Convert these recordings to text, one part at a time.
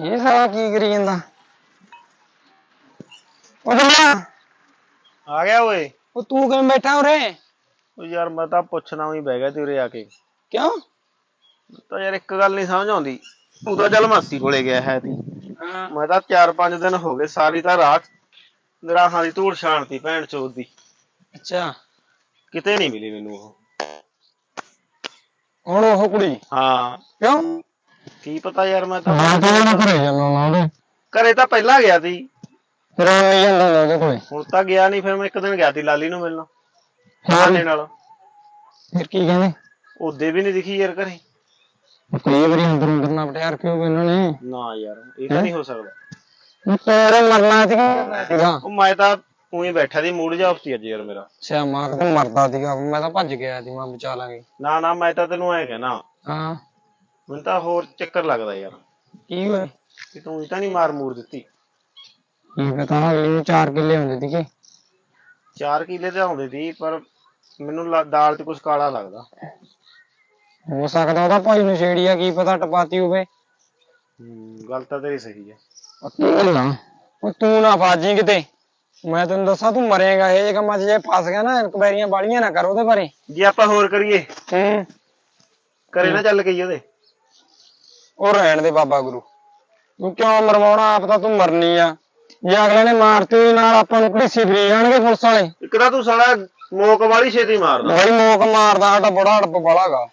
ਇਹ ਸਾਲਾ ਕੀ ਕਰੀ ਜਾਂਦਾ? ਉਹ ਜਮਾ ਆ ਗਿਆ ਓਏ। ਉਹ ਤੂੰ ਕਿਵੇਂ ਬੈਠਾ ਉਰੇ? ਉਹ ਯਾਰ ਮੈਂ ਤਾਂ ਪੁੱਛਣਾ ਹੀ ਬਹਿ ਗਿਆ ਤੇ ਉਰੇ ਆ ਕੇ। ਕਿਉਂ? ਤਾਂ ਯਾਰ ਇੱਕ ਗੱਲ ਨਹੀਂ ਸਮਝ ਆਉਂਦੀ। ਤੂੰ ਤਾਂ ਚੱਲ ਮਾਸੀ ਕੋਲੇ ਗਿਆ ਹੈ ਤੀ। ਹਾਂ। ਮੈਂ ਤਾਂ 4-5 ਦਿਨ ਹੋ ਗਏ, ਸਾਰੀ ਤਾਂ ਰਾਤ ਨਿਰਾਹਾਂ ਦੀ ਧੂੜ ਛਾਣਤੀ ਭੈਣ ਚੋਦ ਦੀ। ਅੱਛਾ, ਕਿਤੇ ਨਹੀਂ ਮਿਲੀ ਮੈਨੂੰ ਉਹ। ਹੁਣ ਉਹ ਕੁੜੀ? ਹਾਂ। ਕਿਉਂ? ਕੀ ਪਤਾ ਯਾਰ, ਮੈਂ ਤਾਂ ਘਰੇ ਜਾਣਾ ਉਹਦੇ। ਘਰੇ ਤਾਂ ਪਹਿਲਾਂ ਗਿਆ ਸੀ। ਫਿਰ ਨਹੀਂ ਜਾਂਦਾ ਉਹਦੇ ਕੋਲੇ। ਹੁਣ ਤਾਂ ਗਿਆ ਨਹੀਂ, ਫਿਰ ਮੈਂ ਇੱਕ ਦਿਨ ਗਿਆ ਸੀ ਲਾਲੀ ਨੂੰ ਮਿਲਣ ਬਹਾਨੇ ਨਾਲ। ਫਿਰ ਕੀ ਕਹਿੰਦੇ? ਉਹਦੇ ਵੀ ਨਹੀਂ ਦਿਖੀ ਯਾਰ ਘਰੇ। ਕਈ ਵਾਰੀ ਅੰਦਰੋਂ ਕਰਨਾ ਪਟਿਆਰ ਕਿਉਂ ਇਹਨਾਂ ਨੇ? ਨਾ ਯਾਰ ਇਹ ਤਾਂ ਨਹੀਂ ਹੋ ਸਕਦਾ। ਤੇਰੇ ਮਰਨਾ ਸੀਗਾ। ਉਹ ਮੈਂ ਤਾਂ ਉਹੀ ਬੈਠਾ ਸੀ, ਮੂਡ ਜਿਹਾ ਆਫ ਸੀ ਅੱਜ ਯਾਰ ਮੇਰਾ। ਅੱਛਾ, ਮਾਂ ਤੂੰ ਮਰਦਾ ਸੀਗਾ, ਮੈਂ ਤਾਂ ਭੱਜ ਗਿਆ ਸੀ, ਮੈਂ ਬਚਾ ਲਾਂਗੇ। ਨਾ ਮੈਂ ਤਾਂ ਤੈਨੂੰ ਐ ਕਹਿਣਾ। ਹਾਂ। ਮੈਨੂੰ ਤਾਂ ਹੋਰ ਚੱਕਰ ਲੱਗਦਾ ਯਾਰ। ਕੀ ਹੋਇਆ? ਕਿ ਤੂੰ ਤਾਂ ਨਹੀਂ ਮਾਰ ਮੂਰ ਦਿੱਤੀ। ਕੀ ਪਤਾ, ਅਗਲੇ ਨੂੰ 4 ਕਿੱਲੇ ਹੁੰਦੇ ਸੀਗੇ। 4 ਕਿੱਲੇ ਤੇ ਆਉਂਦੇ ਸੀ, ਪਰ ਮੈਨੂੰ ਦਾਲ ਚ ਕੁਛ ਕਾਲਾ ਲੱਗਦਾ। ਹੋ ਸਕਦਾ ਉਹਦਾ ਭਾਈ ਨੂੰ ਛੇੜੀ ਆ, ਕੀ ਪਤਾ ਟਪਾਤੀ ਹੋਵੇ। ਗੱਲ ਤਾਂ ਤੇਰੀ ਸਹੀ ਹੈ। ਉਹ ਤੂੰ ਨਾ ਫਾਜੀ ਕਿਤੇ, ਮੈਂ ਤੈਨੂੰ ਦੱਸਾਂ ਤੂੰ ਮਰੇਗਾ ਇਹ ਜੇ ਕੰਮਾਂ 'ਚ। ਜੇ ਫਸ ਗਿਆ ਨਾ, ਇਨਕੁਆਇਰੀਆਂ ਬਾਲੀਆਂ ਨਾ ਕਰ ਉਹਦੇ ਬਾਰੇ। ਜੇ ਆਪਾਂ ਹੋਰ ਕਰੀਏ ਕਰੇ ਨਾ ਚੱਲ ਗਈ ਉਹਦੇ। ਉਹ ਰਹਿਣ ਦੇ ਬਾਬਾ ਗੁਰੂ, ਤੂੰ ਕਿਉਂ ਮਰਵਾਉਣਾ? ਆਪ ਤਾਂ ਤੂੰ ਮਰਨੀ ਆ। ਜੇ ਅਗਲੇ ਨੇ ਮਾਰਤੀ ਉਹਦੇ ਨਾਲ, ਆਪਾਂ ਨੂੰ ਘੜੀਸੀ ਫਰੀ ਜਾਣਗੇ ਪੁਲਿਸ ਵਾਲੇ। ਇੱਕ ਤਾਂ ਤੂੰ ਸਾਲਾ ਮੋਕ ਵਾਲੀ ਛੇਤੀ ਮਾਰਦਾ। ਬੜੀ ਮੋਕ ਮਾਰਦਾ, ਸਾਡਾ ਬੜਾ ਹੜਪ ਵਾਲਾਗਾ।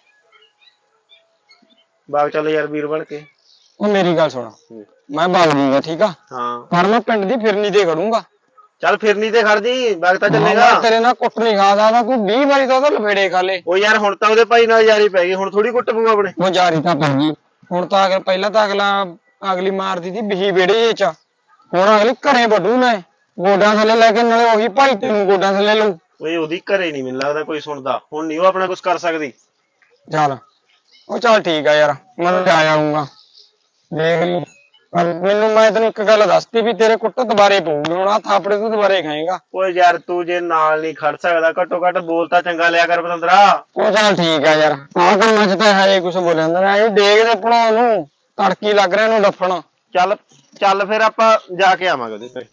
ਬਾਗ ਚੱਲ ਯਾਰ ਵੀਰ ਬਣ ਕੇ। ਉਹ ਮੇਰੀ ਗੱਲ ਸੁਣ, ਮੈਂ ਬਾਗ ਜੂਗਾ ਠੀਕ ਆ। ਹਾਂ। ਪਰ ਮੈਂ ਪਿੰਡ ਦੀ ਫਿਰਨੀ ਤੇ ਖੜੂੰਗਾ। ਚੱਲ ਫਿਰਨੀ ਤੇ ਖੜ ਜੀ, ਬਾਗ ਤਾਂ ਚੱਲੇਗਾ। ਤੇਰੇ ਨਾਲ ਕੁੱਟ ਨਹੀਂ ਖਾ ਸਕਦਾ, ਤੂੰ 20 ਵਾਰੀ ਤਾਂ ਉਹਦੇ ਲਫੇੜੇ ਖਾ ਲੇ। ਉਹ ਯਾਰ ਹੁਣ ਤਾਂ ਉਹਦੇ ਭਾਈ ਨਾਲ ਯਾਰੀ ਪੈ ਗਈ, ਹੁਣ ਥੋੜੀ ਕੁੱਟ ਪਊ ਆਪਣੇ। ਉਹ ਜਾਰੀ ਤਾਂ ਪੈ ਗਈ ਹੁਣ ਤਾਂ। ਅਗਰ ਪਹਿਲਾਂ ਤਾਂ ਅਗਲੀ ਮਾਰਦੀ ਸੀ ਬਿਹੀ ਵਿਹੜੇ ਚ, ਹੁਣ ਅਗਲੀ ਘਰੇ ਵੱਢੂ ਨੇ ਗੋਡਾਂ ਥੱਲੇ ਲੈ ਕੇ, ਨਾਲੇ ਉਹੀ ਭਾਈ ਤੈਨੂੰ ਗੋਡਾਂ ਥੱਲੇ ਲਊ। ਓਏ ਉਹਦੀ ਘਰੇ ਨਹੀਂ ਮੈਨੂੰ ਲੱਗਦਾ ਕੋਈ ਸੁਣਦਾ, ਹੁਣ ਨਹੀਂ ਉਹ ਆਪਣਾ ਕੁਛ ਕਰ ਸਕਦੀ। ਚੱਲ ਠੀਕ ਆ ਯਾਰ, ਮੈਂ ਜਾ ਆਊਂਗਾ ਦੇਖ ਲਈ। ਪਰ ਮੈਂ ਤੈਨੂੰ ਇੱਕ ਗੱਲ ਦੱਸਤੀ ਵੀ ਤੇਰੇ ਕੁੱਟ ਦੁਬਾਰੇ ਪਊਗੀ, ਹੁਣ ਆ ਥਾਪੜੇ ਤੂੰ ਦੁਬਾਰੇ ਖਾਏਗਾ। ਓਏ ਯਾਰ ਤੂੰ ਜੇ ਨਾਲ ਨਹੀਂ ਖੜ ਸਕਦਾ, ਘੱਟੋ ਘੱਟ ਬੋਲ ਤਾਂ ਚੰਗਾ ਲਿਆ ਕਰ ਪਤੰਦਰਾ। ਉਹ ਚੱਲ ਠੀਕ ਆ ਯਾਰ, ਆਹ ਕੰਮਾਂ 'ਚ ਤਾਂ ਹੈ ਕੁਛ ਬੋਲਿਆ ਜਾਂਦਾ। ਇਹ ਡੇਗ ਦੇ ਭਣਾਉਣ ਨੂੰ ਤੜਕੀ ਲੱਗ ਰਿਹਾ ਇਹਨੂੰ ਡੱਫਣ। ਚੱਲ ਫਿਰ ਆਪਾਂ ਜਾ ਕੇ ਆਵਾਂਗੇ ਉਹਦੇ ਘਰੇ।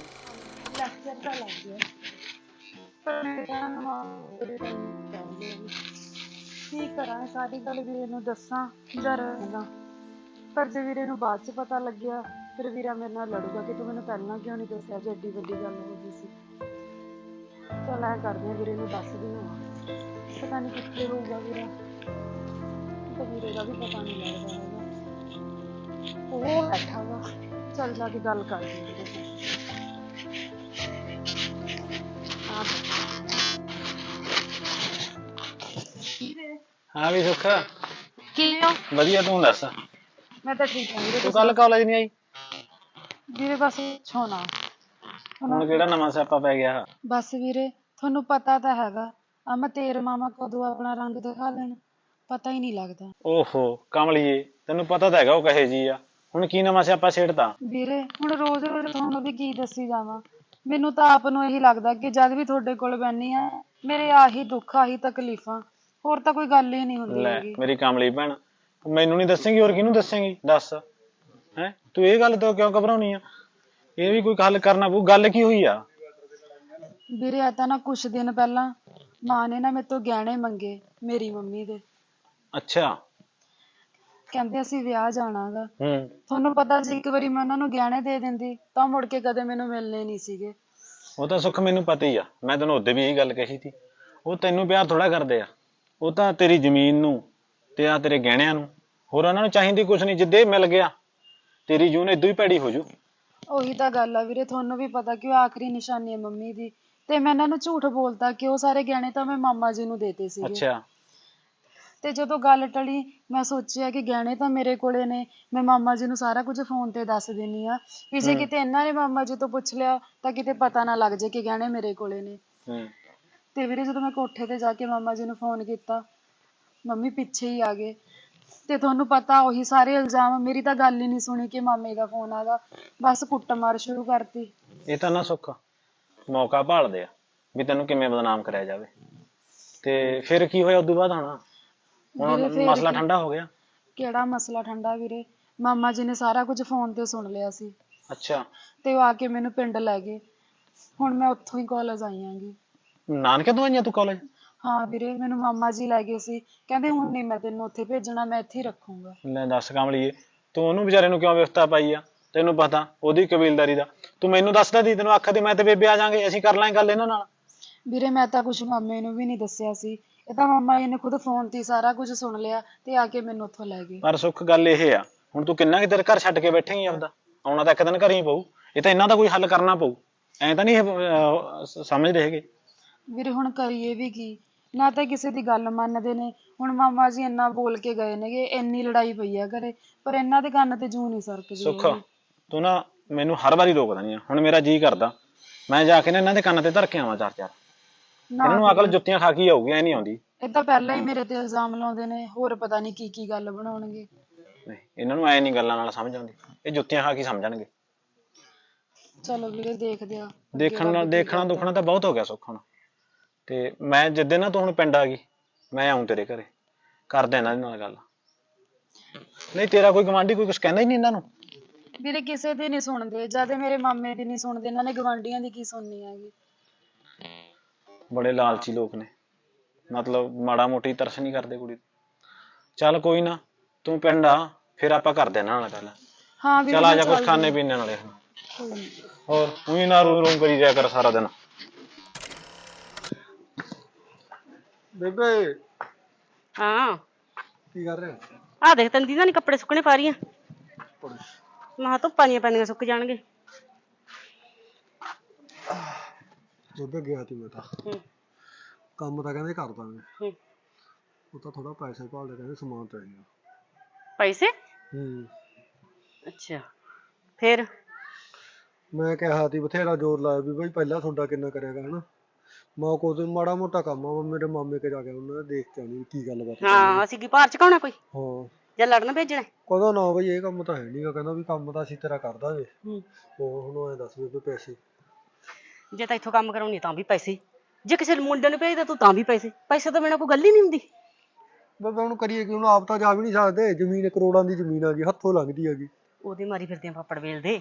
ਕੀ ਕਰਾਂ, ਸਾਡੀ ਗੱਲ ਵੀਰੇ ਨੂੰ ਦੱਸਾਂ ਡਰਦਾ, ਪਰ ਜੇ ਵੀਰੇ ਨੂੰ ਬਾਅਦ ਚ ਪਤਾ ਲੱਗਿਆ ਫਿਰ ਵੀਰਾ ਮੇਰੇ ਨਾਲ ਲੜੂਗਾ ਕਿ ਤੂੰ ਮੈਨੂੰ ਪਹਿਲਾਂ ਕਿਉਂ ਨਹੀਂ ਦੱਸਿਆ ਜੇ ਐਡੀ ਵੱਡੀ ਗੱਲ ਹੋ ਗਈ ਸੀ। ਚੱਲ ਐ ਕਰਦੇ ਆ, ਵੀਰੇ ਨੂੰ ਦੱਸਦੀ ਹਾਂ। ਪਤਾ ਨਹੀਂ ਕਿੱਥੇ ਹੋਊਗਾ ਵੀਰਾ, ਤਾਂ ਵੀਰੇ ਦਾ ਵੀ ਪਤਾ ਨਹੀਂ ਲੱਗਦਾ ਹੈਗਾ। ਉਹ ਬੈਠਾ ਵਾ, ਚੱਲ ਜਾ ਕੇ ਗੱਲ ਕਰਦੀ ਹਾਂ ਵੀਰੇ ਨਾਲ। ਹਾਂ ਵੀ ਸੁੱਖ, ਕਿਵੇਂ ਹੋ? ਵਧੀਆ, ਤੂੰ ਦੱਸ। ਮੈਂ ਤਾਂ ਠੀਕ ਹਾਂ ਵੀਰੇ। ਤੂੰ ਕੱਲ ਕਾਲਜ ਨਹੀਂ ਆਈ? ਵੀਰੇ ਬਸ ਛੋਣਾ ਹੁਣ ਕਿਹੜਾ ਨਵਾਂ ਸਿਆਪਾ ਪੈ ਗਿਆ? ਬਸ ਵੀਰੇ ਤੁਹਾਨੂੰ ਪਤਾ ਤਾਂ ਹੈਗਾ, ਮੈਂ ਤੇਰੇ ਮਾਮਾ ਕਦੋਂ ਆਪਣਾ ਰੰਗ ਦਿਖਾ ਲੈਣ, ਪਤਾ ਹੀ ਨਹੀਂ ਲੱਗਦਾ। ਓਹੋ ਕਮਲੀਏ, ਤੈਨੂੰ ਪਤਾ ਤਾਂ ਹੈਗਾ ਉਹ ਕਹੇ ਜੀ ਆ, ਹੁਣ ਕੀ ਨਵਾਂ ਸਿਆਪਾ ਛੇੜਤਾ? ਵੀਰੇ ਹੁਣ ਰੋਜ਼ ਰੋਜ਼ ਤੁਹਾਨੂੰ ਵੀ ਕੀ ਦੱਸੀ ਜਾਵਾਂ, ਮੈਨੂੰ ਤਾਂ ਆਪ ਨੂੰ ਇਹੀ ਲੱਗਦਾ ਕਿ ਜਦ ਵੀ ਤੁਹਾਡੇ ਕੋਲ ਬੈਠੀ ਆ ਮੇਰੇ ਆਹੀ ਦੁੱਖ ਆਹੀ ਤਕਲੀਫਾਂ, ਹੋਰ ਤਾਂ ਕੋਈ ਗੱਲ ਹੀ ਨਹੀਂ ਹੁੰਦੀ ਹੈਗੀ। ਮੇਰੀ ਕਮਲੀ ਭੈਣ, ਮੈਨੂੰ ਨਹੀਂ ਦੱਸੇਂਗੀ ਹੋਰ ਕਿਹਨੂੰ ਦੱਸੇਂਗੀ? ਦੱਸ ਹੈ, ਤੂੰ ਇਹ ਗੱਲ ਤੋਂ ਕਿਉਂ ਘਬਰਾਉਣੀ ਆ? ਇਹ ਵੀ ਕੋਈ ਹੱਲ ਕਰਨਾ ਪਊ। ਗੱਲ ਕੀ ਹੋਈ ਆ? ਵੀਰੇ ਆ ਤਾਂ ਨਾ ਕੁਛ ਦਿਨ ਪਹਿਲਾਂ ਮਾਂ ਨੇ ਨਾ ਮੇਰੇ ਤੋਂ ਗਹਿਣੇ ਮੰਗੇ, ਮੇਰੀ ਮੰਮੀ ਦੇ। ਅੱਛਾ। ਕਹਿੰਦੇ ਅਸੀਂ ਵਿਆਹ ਜਾਣਾ ਗਾ। ਤੁਹਾਨੂੰ ਪਤਾ ਸੀ ਇੱਕ ਵਾਰੀ ਮੈਂ ਉਹਨਾਂ ਨੂੰ ਗਹਿਣੇ ਦੇ ਦਿੰਦੀ ਤਾਂ ਮੁੜ ਕੇ ਕਦੇ ਮੈਨੂੰ ਮਿਲਣੇ ਨਹੀਂ ਸੀਗੇ। ਉਹ ਤਾਂ ਸੁੱਖ ਮੈਨੂੰ ਪਤਾ ਹੀ ਆ, ਮੈਂ ਤੈਨੂੰ ਉਦੋਂ ਵੀ ਇਹੀ ਗੱਲ ਕਹੀ ਸੀ। ਉਹ ਤੈਨੂੰ ਪਿਆਰ ਥੋੜਾ ਕਰਦੇ ਆ, ਉਹ ਤਾਂ ਤੇਰੀ ਜ਼ਮੀਨ ਨੂੰ ਤੇ ਆ ਤੇਰੇ ਗਹਿਣਿਆਂ ਨੂੰ, ਹੋਰ ਉਹਨਾਂ ਨੂੰ ਚਾਹੀਦੀ ਕੁਛ ਨਹੀਂ। ਜਿੱਦੇ ਮਿਲ ਗਿਆ ਤੇਰੀ ਜੂਨ ਏਦੋਂ ਹੀ ਭੈੜੀ ਹੋ ਜੂ। ਉਹੀ ਤਾਂ ਗੱਲ ਆ ਵੀਰੇ, ਤੁਹਾਨੂੰ ਵੀ ਪਤਾ ਕਿ ਉਹ ਆਖਰੀ ਨਿਸ਼ਾਨੀ ਹੈ ਮੰਮੀ ਦੀ, ਤੇ ਮੈਂ ਇਹਨਾਂ ਨੂੰ ਝੂਠ ਬੋਲਤਾ ਕਿ ਉਹ ਸਾਰੇ ਗਹਿਣੇ ਤਾਂ ਮੈਂ ਮਾਮਾ ਜੀ ਨੂੰ ਦੇਤੇ ਸੀਗੇ। ਅੱਛਾ। ਤੇ ਜਦੋਂ ਗੱਲ ਟਲੀ ਮੈਂ ਸੋਚਿਆ ਕਿ ਗਹਿਣੇ ਤਾਂ ਮੇਰੇ ਕੋਲੇ ਨੇ, ਮੈਂ ਮਾਮਾ ਜੀ ਨੂੰ ਸਾਰਾ ਕੁਝ ਫੋਨ ਤੇ ਦੱਸ ਦਿੰਨੀ ਆ, ਵੀ ਜੇ ਕਿਤੇ ਇਹਨਾਂ ਨੇ ਮਾਮਾ ਜੀ ਤੋਂ ਪੁੱਛ ਲਿਆ ਤਾਂ ਕਿਤੇ ਪਤਾ ਨਾ ਲੱਗ ਜੇ ਕਿ ਗਹਿਣੇ ਮੇਰੇ ਕੋਲੇ ਨੇ। ਤੇ ਵੀਰੇ ਜਦੋਂ ਮੈਂ ਕੋਠੇ ਤੇ ਜਾ ਕੇ ਮਾਮਾ ਜੀ ਨੂੰ ਫੋਨ ਕੀਤਾ, ਮੰਮੀ ਪਿੱਛੇ ਹੀ ਆ ਗਏ, ਤੇ ਤੁਹਾਨੂੰ ਪਤਾ ਉਹੀ ਸਾਰੇ ਇਲਜ਼ਾਮ, ਮੇਰੀ ਤਾਂ ਗੱਲ ਹੀ ਨਹੀਂ ਸੁਣੀ ਕਿ ਮਾਮੇ ਦਾ ਫੋਨ ਆਗਾ, ਬਸ ਕੁੱਟਮਾਰ ਸ਼ੁਰੂ ਕਰਤੀ। ਇਹ ਤਾਂ ਨਾ ਸੁੱਖ ਮੌਕਾ ਭਾਲਦੇ ਆ ਵੀ ਤੈਨੂੰ ਕਿਵੇਂ ਬਦਨਾਮ ਕਰਿਆ ਜਾਵੇ, ਤੇ ਫਿਰ ਕੀ ਹੋਇਆ ਉਦੋਂ ਬਾਅਦ? ਹੁਣ ਮਸਲਾ ਠੰਡਾ ਹੋ ਗਿਆ? ਕਿਹੜਾ ਮਸਲਾ ਠੰਡਾ ਵੀਰੇ, ਮਾਮਾ ਜੀ ਨੇ ਸਾਰਾ ਕੁਝ ਫੋਨ ਤੇ ਸੁਣ ਲਿਆ ਸੀ ਅੱਛਾ, ਤੇ ਉਹ ਆ ਕੇ ਮੈਨੂੰ ਪਿੰਡ ਲੈ ਗਏ। ਹੁਣ ਮੈਂ ਉੱਥੋਂ ਹੀ ਕਾਲਜ ਆਈ ਆਂਗੀ। ਨਾਨਕੇ ਤੋਂ ਆਈਆਂ ਤੂੰ ਕਾਲਜ? ਹਾਂ ਵੀਰੇ, ਮੈਨੂੰ ਮਾਮਾ ਜੀ ਲੈ ਗਏ ਸੀ, ਕਹਿੰਦੇ ਹੁਣ ਨਹੀਂ ਮੈਂ ਤੈਨੂੰ ਉੱਥੇ ਭੇਜਣਾ, ਮੈਂ ਇੱਥੇ ਹੀ ਰੱਖੂੰਗਾ। ਲੈ ਦੱਸ ਕਮਲੀਏ, ਤੂੰ ਉਹਨੂੰ ਵਿਚਾਰੇ ਨੂੰ ਕਿਉਂ ਵਿਵਸਥਾ ਪਾਈ ਆ? ਤੈਨੂੰ ਪਤਾ ਉਹਦੀ ਕਬੀਲਦਾਰੀ ਦਾ। ਤੂੰ ਮੈਨੂੰ ਦੱਸਦਾ ਦੀ, ਤੈਨੂੰ ਆਖਦੀ ਮੈਂ ਤੇ ਬੇਬੇ ਆ ਜਾਾਂਗੇ, ਅਸੀਂ ਕਰ ਲਾਂਗੇ ਗੱਲ ਇਹਨਾਂ ਨਾਲ। ਵੀਰੇ ਮੈਂ ਤਾਂ ਕੁਝ ਮਾਮੇ ਨੂੰ ਵੀ ਨਹੀਂ ਦੱਸਿਆ ਸੀ, ਇਹ ਤਾਂ ਮਾਮਾ ਜੀ ਨੇ ਖੁਦ ਫੋਨ ਤੇ ਹੀ ਸਾਰਾ ਕੁਝ ਸੁਣ ਲਿਆ ਤੇ ਆ ਕੇ ਮੈਨੂੰ ਉੱਥੋਂ ਲੈ ਗਏ। ਪਰ ਸੁੱਖ ਗੱਲ ਇਹ ਆ, ਹੁਣ ਤੂੰ ਕਿੰਨਾ ਕੁ ਦੇਰ ਘਰ ਛੱਡ ਕੇ ਬੈਠੇਂਗੀ ਆਪਦਾ? ਆਉਣਾ ਤਾਂ ਇੱਕ ਦਿਨ ਘਰ ਹੀ ਪਊ। ਇਹ ਤਾਂ ਇਹਨਾਂ ਦਾ ਕੋਈ ਹੱਲ ਕਰਨਾ ਪਊ, ਐਂ ਤਾਂ ਨਹੀਂ ਸਮਝਦੇ ਹੈਗੇ। ਵੀਰੇ ਹੁਣ ਕਰੀਏ ਵੀ ਕੀ, ਨਾ ਤਾਂ ਕਿਸੇ ਦੀ ਗੱਲ ਮੰਨਦੇ ਨੇ। ਹੁਣ ਮਾਮਾ ਜੀ ਇੰਨਾ ਬੋਲ ਕੇ ਗਏ ਨੇਗੇ, ਇੰਨੀ ਲੜਾਈ ਪਈ ਆ ਘਰੇ, ਪਰ ਇਹਨਾਂ ਦੇ ਕੰਨ ਤੇ ਜੂੰ ਨਹੀਂ ਸਰਕਦੀ ਸੁੱਖ ਹੈਗੀ। ਤੂੰ ਨਾ ਮੈਨੂੰ ਹਰ ਵਾਰੀ ਰੋਕਦਾ ਨਹੀਂ ਆ। ਹੁਣ ਮੇਰਾ ਜੀ ਕਰਦਾ ਮੈਂ ਜਾ ਕੇ ਨਾ ਇਹਨਾਂ ਦੇ ਕੰਨ ਤੇ ਧਰ ਕੇ ਆਵਾਂ ਚਾਰ ਚਾਰ। ਇਹਨਾਂ ਨੂੰ ਅਕਲ ਜੁੱਤੀਆਂ ਖਾ ਕੇ ਆਊਗੀ, ਐ ਨਹੀਂ ਆਉਂਦੀ। ਇਹ ਤਾਂ ਪਹਿਲਾਂ ਹੀ ਮੇਰੇ ਤੇ ਇਲਜ਼ਾਮ ਲਾਉਂਦੇ ਨੇ, ਹੋਰ ਪਤਾ ਨਹੀਂ ਕੀ ਕੀ ਗੱਲ ਬਣਾਉਣਗੇ। ਨਹੀਂ, ਇਹਨਾਂ ਨੂੰ ਐ ਨਹੀਂ ਗੱਲਾਂ ਨਾਲ ਸਮਝ ਆਉਂਦੀ, ਇਹ ਜੁੱਤੀਆਂ ਖਾ ਕੇ ਸਮਝਣਗੇ। ਚਲੋ ਵੀਰੇ ਦੇਖਦੇ ਆ। ਦੇਖਣਾ ਦੁਖਣਾ ਤਾਂ ਬਹੁਤ ਹੋ ਗਿਆ ਸੁੱਖ ਹੁਣ। ਤੇ ਮੈਂ ਜਿੱਦੇ ਨਾ ਤੂੰ ਹੁਣ ਪਿੰਡ ਆ ਗਈ, ਮੈਂ ਆਉਂ ਤੇਰੇ ਘਰੇ, ਕਰਦਾ ਇਹਨਾਂ ਦੇ ਨਾਲ ਗੱਲ। ਨਹੀਂ ਤੇਰਾ ਕੋਈ ਗਵਾਂਢੀ ਕੋਈ ਕੁਛ ਕਹਿੰਦਾ ਹੀ ਨਹੀਂ ਇਹਨਾਂ ਨੂੰ? ਵੀਰੇ ਕਿਸੇ ਦੀ ਨਹੀਂ ਸੁਣਦੇ, ਜਦ ਮੇਰੇ ਮਾਮੇ ਦੀ ਨਹੀਂ ਸੁਣਦੇ, ਇਹਨਾਂ ਨੇ ਗਵਾਂਢੀਆਂ ਦੀ ਕੀ ਸੁਣਨੀ ਹੈਗੀ। ਬੜੇ ਲਾਲਚੀ ਲੋਕ ਨੇ, ਮਤਲਬ ਮਾੜਾ ਮੋਟੀ ਤਰਸ ਨਹੀਂ ਕਰਦੇ ਕੁੜੀ। ਚੱਲ ਕੋਈ ਨਾ, ਤੂੰ ਪਿੰਡ ਆ, ਫਿਰ ਆਪਾਂ ਕਰਦੇ ਇਹਨਾਂ ਨਾਲ ਗੱਲ। ਹਾਂ ਵੀਰੇ ਚੱਲ ਆ ਜਾ, ਕੁਛ ਖਾਣੇ ਪੀਣੇ ਨਾਲੇ। ਹੋਰ ਉਹੀ ਨਾ ਰੂ ਰੂ ਕਰੀ ਜਾਇਆ ਕਰ ਸਾਰਾ ਦਿਨ। ਬੇਬੇ ਹਾਂ ਕੀ ਕਰ ਰਹੇ? ਆ ਦੇਖ ਤੈਨੂੰ ਦੀਦਾ ਨੀ ਕੱਪੜੇ ਸੁੱਕਣੇ ਪਾ ਰਹੀਆਂ। ਮੈਂ ਧੁੱਪਾਂ ਦੀਆਂ ਪੈਂਦੀਆਂ ਸੁੱਕ ਜਾਣਗੇ। ਬੇਬੇ ਗਿਆ ਤੀ ਮੈਂ ਤਾਂ ਕੰਮ ਤਾਂ ਕਹਿੰਦੇ ਕਰ ਦਾਂਗੇ, ਉਹ ਤਾਂ ਥੋੜਾ ਪੈਸੇ ਭਾਲਦੇ, ਕਹਿੰਦੇ ਸਮਾਨ ਚਾਹੀਦਾ। ਪੈਸੇ? ਅੱਛਾ ਫੇਰ? ਮੈਂ ਕਿਹਾ ਤੀ ਬਥੇਰਾ ਜ਼ੋਰ ਲਾਇਆ ਵੀ ਬਈ ਪਹਿਲਾਂ ਤੁਹਾਡਾ ਕਿੰਨਾ ਕਰਿਆਗਾ ਹਨਾ। ਮੈਂ ਕੋਈ ਮਾੜਾ ਮੋਟਾ ਕੰਮ ਆ, ਮੇਰੇ ਮਾਮੇ ਕੇ ਜਾ ਕੇ ਉਹਨਾਂ ਨੇ ਦੇਖ ਕੇ ਆਉਣੀ ਕੀ ਗੱਲਬਾਤ। ਹਾਂ ਅਸੀਂ ਕੀ ਭਾਰ ਚਕਾਉਣਾ ਕੋਈ ਹਾਂ ਜਾਂ ਲੜਨ ਭੇਜਣਾ? ਕਹਿੰਦਾ ਨਾ ਬਈ ਇਹ ਕੰਮ ਤਾਂ ਹੈ ਨੀ ਗਾ, ਕਹਿੰਦਾ ਵੀ ਕੰਮ ਤਾਂ ਅਸੀਂ ਤੇਰਾ ਕਰ ਦਾਂਗੇ। ਉਹ ਹੁਣ ਐਂ ਦੱਸ ਬੇਬੇ ਪੈਸੇ ਜੇ ਤਾਂ ਇੱਥੋਂ ਕੰਮ ਕਰਾਉਣੀ ਤਾਂ ਵੀ ਪੈਸੇ, ਜੇ ਕਿਸੇ ਮੁੰਡੇ ਨੂੰ ਭੇਜਦਾ ਤੂੰ ਤਾਂ ਵੀ ਪੈਸੇ। ਪੈਸੇ ਤੋਂ ਬਿਨਾਂ ਕੋਈ ਗੱਲ ਹੀ ਨਹੀਂ ਹੁੰਦੀ। ਬੇਬੇ ਹੁਣ ਕਰੀਏ ਕਿ, ਹੁਣ ਆਪ ਤਾਂ ਜਾ ਵੀ ਨਹੀਂ ਸਕਦੇ, ਜ਼ਮੀਨ ਕਰੋੜਾਂ ਦੀ ਜ਼ਮੀਨ ਆ ਗਈ, ਹੱਥੋਂ ਲੰਘਦੀ ਹੈਗੀ। ਉਹਦੇ ਮਾਰੀ ਫਿਰਦੇ ਆ ਪਾਪੜ ਵੇਲਦੇ।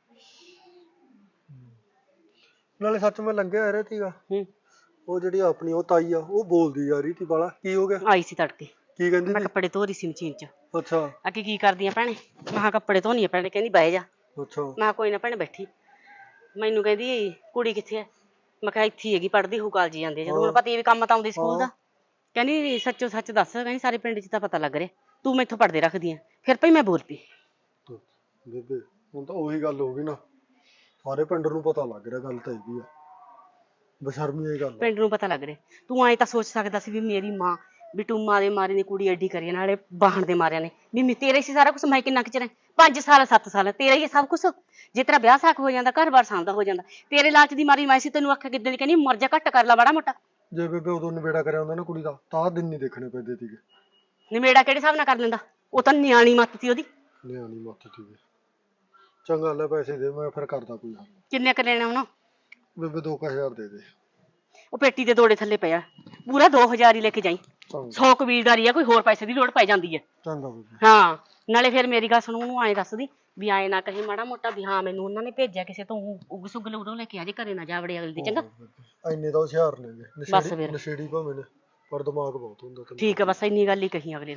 ਨਾਲੇ ਸੱਚ ਮੈਂ ਲੰਘਿਆ ਰਿਹਾ ਸੀਗਾ, ਉਹ ਜਿਹੜੀ ਆਪਣੀ ਉਹ ਤਾਈ ਆ, ਉਹ ਬੋਲਦੀ ਜਾ ਰਹੀ ਸੀ ਬਾਲਾ। ਕੀ ਹੋ ਗਿਆ? ਆਈ ਸੀ ਤੜਕੇ, ਕੀ ਕਹਿੰਦੀ ਮੈਂ ਸੀ? ਕੱਪੜੇ ਧੋ ਰਹੀ ਸੀ ਮਸ਼ੀਨ 'ਚ। ਅੱਛਾ ਅੱਗੇ ਕੀ ਕਰਦੀਆਂ ਭੈਣੇ? ਮੈਂ ਕਿਹਾ ਕੱਪੜੇ ਧੋਣੀ ਆ ਭੈਣੇ। ਕਹਿੰਦੀ ਬਹਿ ਜਾ। ਅੱਛਾ ਮੈਂ ਕਿਹਾ ਕੋਈ ਨਾ ਭੈਣੇ ਬੈਠੀ। ਮੈਨੂੰ ਕਹਿੰਦੀ ਕੁੜੀ ਕਿੱਥੇ ਐ? ਮੈਂ ਕਿਹਾ ਇੱਥੇ ਹੀ ਹੈਗੀ, ਪੜ੍ਹਦੀ ਹੋਊ, ਕਾਲਜ ਜਾਂਦੀ ਆ। ਜਦੋਂ ਹੁਣ ਪਤਾ ਵੀ ਕੰਮ ਤਾਂ ਆਉਂਦੀ ਸਕੂਲ ਦਾ। ਕਹਿੰਦੀ ਸੱਚੋ ਸੱਚ ਦੱਸ, ਕਹਿੰਦੀ ਸਾਰੇ ਪਿੰਡ 'ਚ ਤਾਂ ਪਤਾ ਲੱਗ ਰਿਹਾ ਤੂੰ ਮੈਥੋਂ ਪੜ੍ਹਦੇ ਰੱਖਦੀ ਆ। ਫਿਰ ਭਈ ਮੈਂ ਬੋਲ ਪਈ। ਬੇਬੇ ਹੁਣ ਤਾਂ ਉਹੀ ਗੱਲ ਹੋ ਗਈ ਨਾ, ਸਾਰੇ ਪਿੰਡ ਨੂੰ ਪਤਾ ਲੱਗ ਰਿਹਾ ਗੱਲ ਤਾਂ ਹੈਗੀ ਆ। ਬਸ਼ਰਮੀ ਇਹ ਗੱਲ ਪਿੰਡ ਨੂੰ ਪਤਾ ਲੱਗ ਰਿਹਾ। ਤੂੰ ਐਂ ਤਾਂ ਸੋਚ ਸਕਦਾ ਸੀ ਵੀ ਮੇਰੀ ਮਾਂ ਵੀ ਟੂਮਾ ਦੇ ਮਾਰੇ ਨੇ ਕੁੜੀ ਐਡੀ ਕਰੀ, ਨਾਲੇ ਬਾਹਣ ਦੇ ਮਾਰਿਆਂ ਨੇ ਵੀ ਤੇਰੇ ਸੀ ਸਾਰਾ ਕੁਛ। ਮੈਂ ਕਿੰਨਾ ਕੁ ਚਿਰ 5 ਸਾਲ 7 ਸਾਲ ਤੇਰਾ ਹੀ ਸਭ ਕੁਛ। ਜੇ ਤੇਰਾ ਵਿਆਹ ਸਾਕ ਹੋ ਜਾਂਦਾ, ਘਰ-ਬਾਰ ਸਾਂਭਦਾ ਹੋ ਜਾਂਦਾ। ਤੇਰੇ ਲਾਲਚ ਦੀ ਮਾਰੀ ਮੈਂ ਸੀ ਤੈਨੂੰ ਆਖਿਆ ਕਿੱਦਾਂ ਦੀ, ਕਹਿੰਦੀ ਮਰ ਜਾ, ਘੱਟ ਕਰ ਲਾ ਮਾੜਾ ਮੋਟਾ। ਜੇ ਬੇਬੇ ਉਦੋਂ ਨਿਬੇੜਾ ਕਰਿਆ ਹੁੰਦਾ ਨਾ ਕੁੜੀ ਦਾ, ਤਾਂ ਦਿਨ ਨਹੀਂ ਦੇਖਣੇ ਪੈਂਦੇ ਸੀਗੇ। ਨਿਮੇੜਾ ਕਿਹੜੇ ਹਿਸਾਬ ਨਾਲ ਕਰ ਲੈਂਦਾ? ਉਹ ਤਾਂ ਨਿਆਣੀ ਮੱਤ ਸੀ ਉਹਦੀ। ਨਿਆਣੀ ਮੱਤ ਸੀਗੇ। ਚੰਗਾ ਲੈ ਪੈਸੇ ਦੇ, ਮੈਂ ਫਿਰ ਕਰਦਾ ਕੋਈ ਹੱਲ। ਕਿੰਨੇ ਕਰ ਲੈਣੇ ਹੁਣ? ਬੇਬੇ 2000 ਦੇ ਦੇ। ਉਹ ਪੇਟੀ ਦੇ ਦੋੜੇ ਥੱਲੇ ਪਿਆ, ਪੂਰਾ 2000 ਹੀ ਲੈ ਕੇ ਜਾਈ। 100 ਕਬੀਲਦਾਰੀ ਆ, ਕੋਈ ਹੋਰ ਪੈਸੇ ਦੀ ਲੋੜ ਪੈ ਜਾਂਦੀ ਹੈ। ਚੰਗਾ ਬੇਬੇ। ਹਾਂ ਨਾਲੇ ਫਿਰ ਮੇਰੀ ਗੱਲ ਸੁਣ, ਉਹਨੂੰ ਐਂ ਦੱਸਦੀ ਵੀ ਐਂ ਨਾ ਕਹੀ ਮਾੜਾ ਮੋਟਾ ਵੀ ਹਾਂ ਮੈਨੂੰ ਉਹਨਾਂ ਨੇ ਭੇਜਿਆ ਕਿਸੇ ਤੋਂ, ਉਗ ਸੁਗਲ ਉਦੋਂ ਲੈ ਕੇ ਆ ਜੇ, ਘਰੇ ਨਾ ਜਾ ਵੜੇ ਅਗਲੀ ਦੀ। ਚੰਗਾ ਇੰਨੇ ਤਾਂ ਹੁਸ਼ਿਆਰ ਨੇ ਗੇ, ਬਸ ਫਿਰ। ਨਸ਼ੇੜੀ ਭਾਵੇਂ ਨੇ, ਪਰ ਦਿਮਾਗ ਬਹੁਤ ਹੁੰਦਾ ਤੈਨੂੰ। ਠੀਕ ਆ, ਬਸ ਇੰਨੀ ਗੱਲ ਹੀ ਕਹੀ ਅਗਲੇ ਨੂੰ।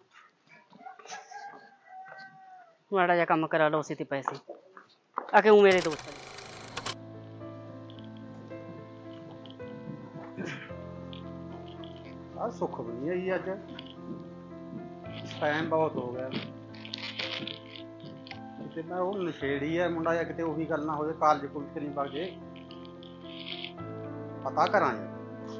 ਮਾੜਾ ਜਿਹਾ ਕੰਮ ਕਰਾ ਲਓ ਉਸੇ ਤੇ ਪੈਸੇ ਆ ਕੇ। ਉਹ ਮੇਰੇ ਦੋਸਤ ਨੇ। ਆ ਸੁੱਖ ਵੀ ਨਹੀਂ ਆਈ ਅੱਜ, ਟਾਈਮ ਬਹੁਤ ਹੋ ਗਿਆ। ਤੇ ਮੈਂ ਉਹ ਨਸ਼ੇੜੀ ਆ ਮੁੰਡਾ, ਜਾਂ ਕਿਤੇ ਉਹੀ ਗੱਲ ਨਾ ਹੋ ਜਾਏ, ਕਾਲਜ ਕੁਲਜ ਨਹੀਂ ਵਗ ਜੇ। ਪਤਾ ਕਰਾਂ ਯਾਰ।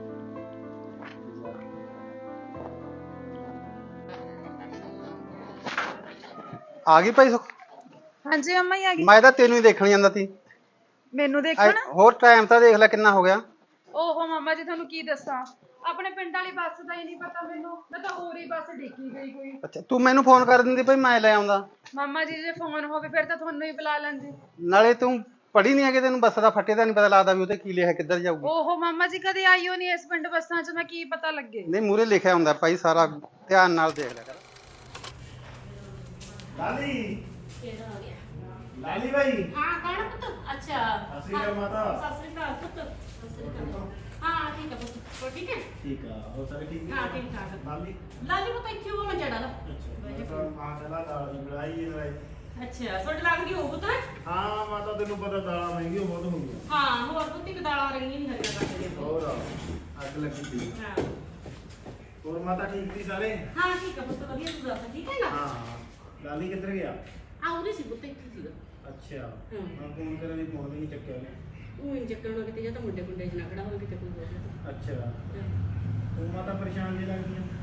ਆ ਗਈ ਭਾਈ ਸੁੱਖ? ਹਾਂਜੀ ਅੰਮਾ ਹੀ ਆ ਗਈ। ਮੈਂ ਤਾਂ ਤੈਨੂੰ ਹੀ ਦੇਖਣ ਜਾਂਦਾ ਸੀ। ਮੈਨੂੰ ਦੇਖਣਾ? ਹੋਰ ਟਾਈਮ ਤਾਂ ਦੇਖ ਲੈ ਕਿੰਨਾ ਹੋ ਗਿਆ। ਓਹੋ ਮਾਮਾ ਜੀ, ਤੁਹਾਨੂੰ ਕੀ ਦੱਸਾਂ, ਆਪਣੇ ਪਿੰਡ ਵਾਲੀ ਬੱਸ ਦਾ ਹੀ ਨਹੀਂ ਪਤਾ ਮੈਨੂੰ। ਮੈਂ ਤਾਂ ਹੋਰ ਹੀ ਬੱਸ ਡਿੱਗੀ ਗਈ ਕੋਈ। ਅੱਛਾ ਤੂੰ ਮੈਨੂੰ ਫੋਨ ਕਰ ਦਿੰਦੀ ਭਾਈ, ਮੈਂ ਲੈ ਆਉਂਦਾ। ਮਾਮਾ ਜੀ ਜੇ ਫੋਨ ਹੋਵੇ ਫਿਰ ਤਾਂ ਤੁਹਾਨੂੰ ਹੀ ਬੁਲਾ ਲੈਂਦੀ। ਨਾਲੇ ਤੂੰ ਪੜ੍ਹੀ ਨਹੀਂ ਹੈਗੀ, ਤੈਨੂੰ ਬੱਸ ਦਾ ਫੱਟੇ ਦਾ ਨਹੀਂ ਪਤਾ ਲੱਗਦਾ ਵੀ ਉਹਤੇ ਕੀ ਲਿਖਿਆ, ਕਿੱਧਰ ਜਾਊਗੀ। ਓਹੋ ਮਾਮਾ ਜੀ, ਕਦੇ ਆਈਓ ਨਹੀਂ ਇਸ ਪਿੰਡ ਬੱਸਾਂ 'ਚ, ਮੈਂ ਕੀ ਪਤਾ ਲੱਗੇ। ਨਹੀਂ ਮੂਹਰੇ ਲਿਖਿਆ ਹੁੰਦਾ ਭਾਈ, ਸਾਰਾ ਧਿਆਨ ਨਾਲ ਦੇਖ ਲਿਆ ਕਰ। ਲਾਲੀ ਕਿਹੜਾ ਆ ਗਿਆ? ਲਾਲੀ ਭਾਈ ਹਾਂ ਕੌਣ ਪੁੱਤ? ਅੱਛਾ ਸਤਿ ਸ਼੍ਰੀ ਅਕਾਲ ਮਾਤਾ। ਸਤਿ ਸ੍ਰੀ ਅਕਾਲ ਪੁੱਤ। ਸਤਿ ਸ੍ਰੀ ਅਕਾਲ। ਹਾਂ ਠੀਕ ਹੈ ਪੁੱਤ। ਹੋਰ ਠੀਕ ਹੈ? ਠੀਕ ਆ ਹੋ ਸਾਰੇ ਠੀਕ ਹਾਂ ਠੀਕ ਠਾਕ। ਲਾਲੀ ਲਾਲੀ ਪੁੱਤ ਇੱਥੇ ਉਹ ਮੰਜਾ ਡਾਲਾ। ਅੱਛਾ ਮਾਤਾ ਦਾ ਦਾਲ ਦੀ ਬਣਾਈ ਇਹ ਲੜਾਈ ਅੱਛਾ ਸੁੱਟ ਲੱਗਦੀ ਹੋਊ ਪੁੱਤ। ਹਾਂ ਮਾਤਾ ਤੈਨੂੰ ਪਤਾ ਦਾਲਾਂ ਮਹਿੰਗੀਆਂ ਬਹੁਤ ਹੁੰਦੀਆਂ ਹਾਂ ਹੋਰ ਪੁੱਤ ਇੱਕ ਦਾਲਾਂ ਰੰਗੀਆਂ ਨਹੀਂ ਹਰੀਆਂ ਕੱਟਦੇ ਆ। ਹੋਰ ਅੱਗ ਲੱਗੀ ਸੀ ਹਾਂ ਹੋਰ ਮਾਤਾ ਠੀਕ ਸੀ ਸਾਰੇ ਹਾਂ ਠੀਕ ਹੈ ਪੁੱਤ ਵਧੀਆ ਤੂੰ ਦੱਸ ਠੀਕ ਹੈ ਨਾ? ਹਾਂ ਲਾਲੀ ਕਿੱਧਰ ਗਿਆ ਆ ਉਹਦੇ ਸੀ ਪੁੱਤ ਇੱਥੇ ਸੀਗਾ। ਅੱਛਾ ਹੂੰ। ਮੈਂ ਫੋਨ ਕਰਾਂ ਵੀ ਫੋਨ ਵੀ ਨਹੀਂ ਚੱਕਿਆ ਉਹਨੇ ਉਹ ਇੰਜ ਚੱਕਣਾ ਕਿਤੇ ਜਾਂ ਤਾਂ ਮੁੰਡੇ ਮੁੰਡੇ ਚ ਨਾ ਖੜਾ ਹੋਵੇ ਕਿਤੇ ਕੋਈ ਹੋਰ। ਅੱਛਾ ਤੂੰ ਮਾਤਾ ਪਰੇਸ਼ਾਨ ਜੀ ਲੱਗਦੀ ਆ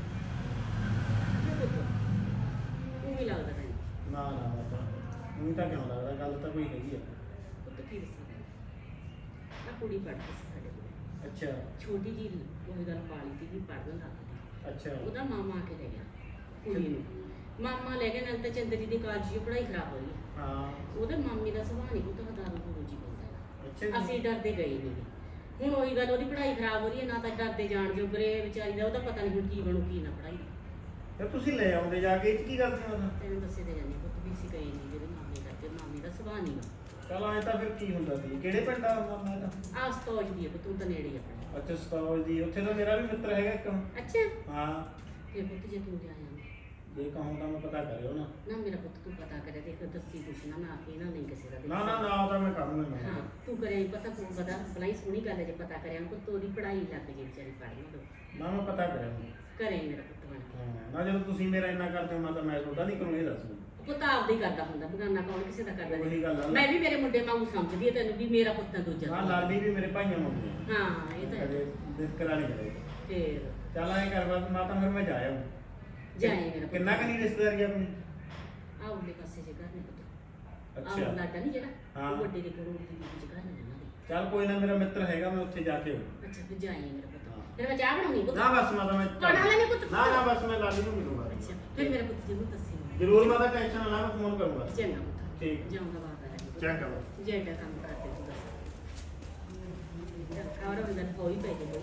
ਉਹ ਵੀ ਲੱਗਦਾ ਤੈਨੂੰ। ਨਾ ਨਾ ਮਾਤਾ ਮੈਨੂੰ ਤਾਂ ਕਿਉਂ ਲੱਗਦਾ ਗੱਲ ਤਾਂ ਕੋਈ ਹੈਗੀ ਆ ਪੁੱਤ ਕੀ ਦੱਸਾਂ ਆ ਕੁੜੀ ਪੜ੍ਹਦੀ ਸੀ ਸਾਡੇ ਕੋਲ ਅੱਛਾ ਛੋਟੀ ਜੀ ਉਹ ਗੱਲ ਪਾਲੀ ਸੀ ਕਿ ਪੜ੍ਹਨ ਲੱਗ ਅੱਛਾ ਪਈ ਉਹਦਾ ਮਾਮਾ ਆ ਕੇ ਲੈ ਗਿਆ ਕੁੜੀ ਨੂੰ ਮਾਮਾ ਲੈ ਗਿਆ ਨਾਲ ਤਾਂ ਚੰਦਰੀ ਦੀ ਕਾਲਜ ਦੀ ਪੜ੍ਹਾਈ ਖਰਾਬ ਹੋਈ ਹਾਂ ਉਹਦੇ ਮਾਮੇ ਦਾ ਸੁਭਾਅ ਨਹੀਂ ਪੁੱਤ ਹਦਾਰੂ ਗੁਰੂ ਜੀ ਬੰਦਾ ਅੱਛਾ ਜੀ। ਅਸੀਂ ਡਰਦੇ ਗਏ ਨਹੀਂ ਹੁਣ ਉਹੀ ਗੱਲ ਉਹਦੀ ਪੜ੍ਹਾਈ ਖਰਾਬ ਹੋ ਰਹੀ ਹੈ ਨਾ ਤਾਂ ਡਰਦੇ ਜਾਣ ਜੋਗਰੇ ਵਿਚਾਰੀ ਦਾ ਉਹਦਾ ਪਤਾ ਨਹੀਂ ਹੁਣ ਕੀ ਬਣੂ ਕੀ ਨਾ ਪੜ੍ਹਾਈ ਫਿਰ ਤੁਸੀਂ ਲੈ ਆਉਂਦੇ ਜਾ ਕੇ ਇਹ 'ਚ ਕੀ ਗੱਲ ਸੀ ਮਾਤਾ ਤੈਨੂੰ ਦੱਸੇ ਤੇ ਜਾਂਦੀ ਪੁੱਤ ਵੀ ਅਸੀਂ ਗਏ ਨਹੀਂ ਜਿਹਦੇ ਮਾਮੇ ਕਰਕੇ ਮਾਮੇ ਦਾ ਸੁਭਾਅ ਨਹੀਂ ਚਲ ਐ ਤਾਂ ਫਿਰ ਕੀ ਹੁੰਦਾ ਸੀ ਕਿਹੜੇ ਪਿੰਡ ਦਾ ਮਾਮਾ ਦਾ ਆਸ ਤੋਜ ਦੀ ਹੈ ਤੂੰ ਤਾਂ ਨੇੜੇ ਹੀ ਆਪਣੇ ਅੱਛਾ ਸਤਾਵਲ ਦੀ ਉੱਥੇ ਤਾਂ ਮੇਰਾ ਵੀ ਮਿੱਤਰ ਹੈਗਾ ਇੱਕ ਅੱਛਾ ਹਾਂ ਤੇ ਪੁੱਤ ਜੇ ਤੂੰ ਜਾ ਆਇਆ ਜੇ ਕਹੂੰ ਤਾਂ ਮੈਂ ਪਤਾ ਕਰਿਓ ਨਾ ਨਾ ਮੇਰਾ ਪੁੱਤ ਤੂੰ ਪਤਾ ਕਰੇ ਦੇਖ ਦੱਸੀ ਕੁਛ ਨਾ ਮੈਂ ਆਖੀ ਨਾ ਨਹੀਂ ਕਿਸੇ ਦਾ ਨਾ ਨਾ ਨਾ ਉਹਦਾ ਮੈਂ ਕਰੂੰਗਾ ਮੈਂ ਹਾਂ ਤੂੰ ਕਰਿਆ ਈ ਪਤਾ ਤੂੰ ਪਤਾ ਬਲਾਈ ਸੋਹਣੀ ਗੱਲ ਹੈ ਜੇ ਪਤਾ ਕਰਿਆ ਪੁੱਤ ਉਹਦੀ ਪੜ੍ਹਾਈ ਲੱਗ ਜੇ ਵਿਚਾਰੀ ਪੜ੍ਹਨ ਦੋ ਨਾ ਮੈਂ ਪਤਾ ਕਰਿਆ ਕਰੇ ਮੇਰਾ ਪੁੱਤ ਬਣ ਕੇ ਹਾਂ ਨਾ ਜਦੋਂ ਤੁਸੀਂ ਮੇਰਾ ਇੰਨਾ ਕਰਦੇ ਹੋ ਮੈਂ ਤਾਂ ਮੈਂ ਤੁਹਾਡਾ ਨਹੀਂ ਕਰੂੰ ਇਹ ਦੱਸ ਮੈਨੂੰ ਪੁੱਤ ਆਪਦਾ ਹੀ ਕਰਦਾ ਹੁੰਦਾ ਬਗਾਨਾ ਕੌਣ ਕਿਸੇ ਦਾ ਕਰਦਾ ਉਹੀ ਗੱਲ ਆ ਨਾ। ਮੈਂ ਵੀ ਮੇਰੇ ਮੁੰਡੇ ਵਾਂਗੂ ਸਮਝਦੀ ਆ ਤੈਨੂੰ ਵੀ ਮੇਰਾ ਪੁੱਤ ਹੈ ਦੂਜਾ ਹਾਂ ਲਾਲੀ ਵੀ ਮੇਰੇ ਭਾਈਆਂ ਮੰਗਦੇ ਹਾਂ ਇਹ ਤਾਂ ਹੈ। ਕਦੇ ਦਿੱਕਰਾ ਨਹੀਂ ਕਰੇ ਫੇਰ ਚੱਲ ਐ ਕਰ ਬਾਤ ਮਾਤਾ ਫਿਰ ਮੈਂ ਜਾ ਆਊਂ ਜਾਏ ਮੇਰਾ ਪੁੱਤ ਕਿੰਨਾ ਕਨੀ ਰਿਸ਼ਤੇਦਾਰੀ ਆਪਣੀ ਆ ਉਹਦੇ ਪਾਸੇ ਜੇ ਘਰ ਨੇ ਪੁੱਤ ਆ ਅੱਛਾ ਲਾਡਾ ਨਹੀਂ ਜਿਹੜਾ ਹਾਂ। ਉਹ ਵੱਡੇ ਦੇ ਕੋਲ ਦੀ ਵਿੱਚ ਘਰ ਨੇ ਉਹਨਾਂ ਦੇ ਚੱਲ ਕੋਈ ਨਾ ਮੇਰਾ ਮਿੱਤਰ ਹੈਗਾ ਮੈਂ ਉੱਥੇ ਜਾ ਕੇ ਆਊਂ ਅੱਛਾ ਫਿਰ ਜਾਏ ਮੇਰਾ ਪੁੱਤ ਹਾਂ। ਫਿਰ ਮੈਂ ਚਾਹ ਬਣਾਉਣੀ ਪੁੱਤ ਨਾ ਬਸ ਮਾਤਾ ਮੈਂ ਬਣਾ ਲੈਣੇ ਪੁੱਤ ਨਾ ਨਾ ਬਸ ਮੈਂ ਲਾਲੀ ਨੂੰ ਮਿਲੂੰਗਾ ਅੱਛਾ ਫਿਰ ਮੇਰਾ ਪੁੱਤ ਜ਼ਰੂਰ ਦੱਸੀ ਜ਼ਰੂਰ ਮਾਤਾ ਟੈਨਸ਼ਨ ਨਾ ਲਾ ਮੈਂ ਫੋਨ ਕਰੂੰਗਾ ਚੰਗਾ ਪੁੱਤ ਠੀਕ ਜਾਊਂਗਾ ਬਾਹਰ ਆ ਚੰਗਾ ਬਾਈ। ਜਿਹੜਾ ਕੰਮ ਕਰਦੇ ਤੂੰ ਦੱਸ ਔਰ ਬੰਦਾ ਹੋਈ ਪਈ ਜੇ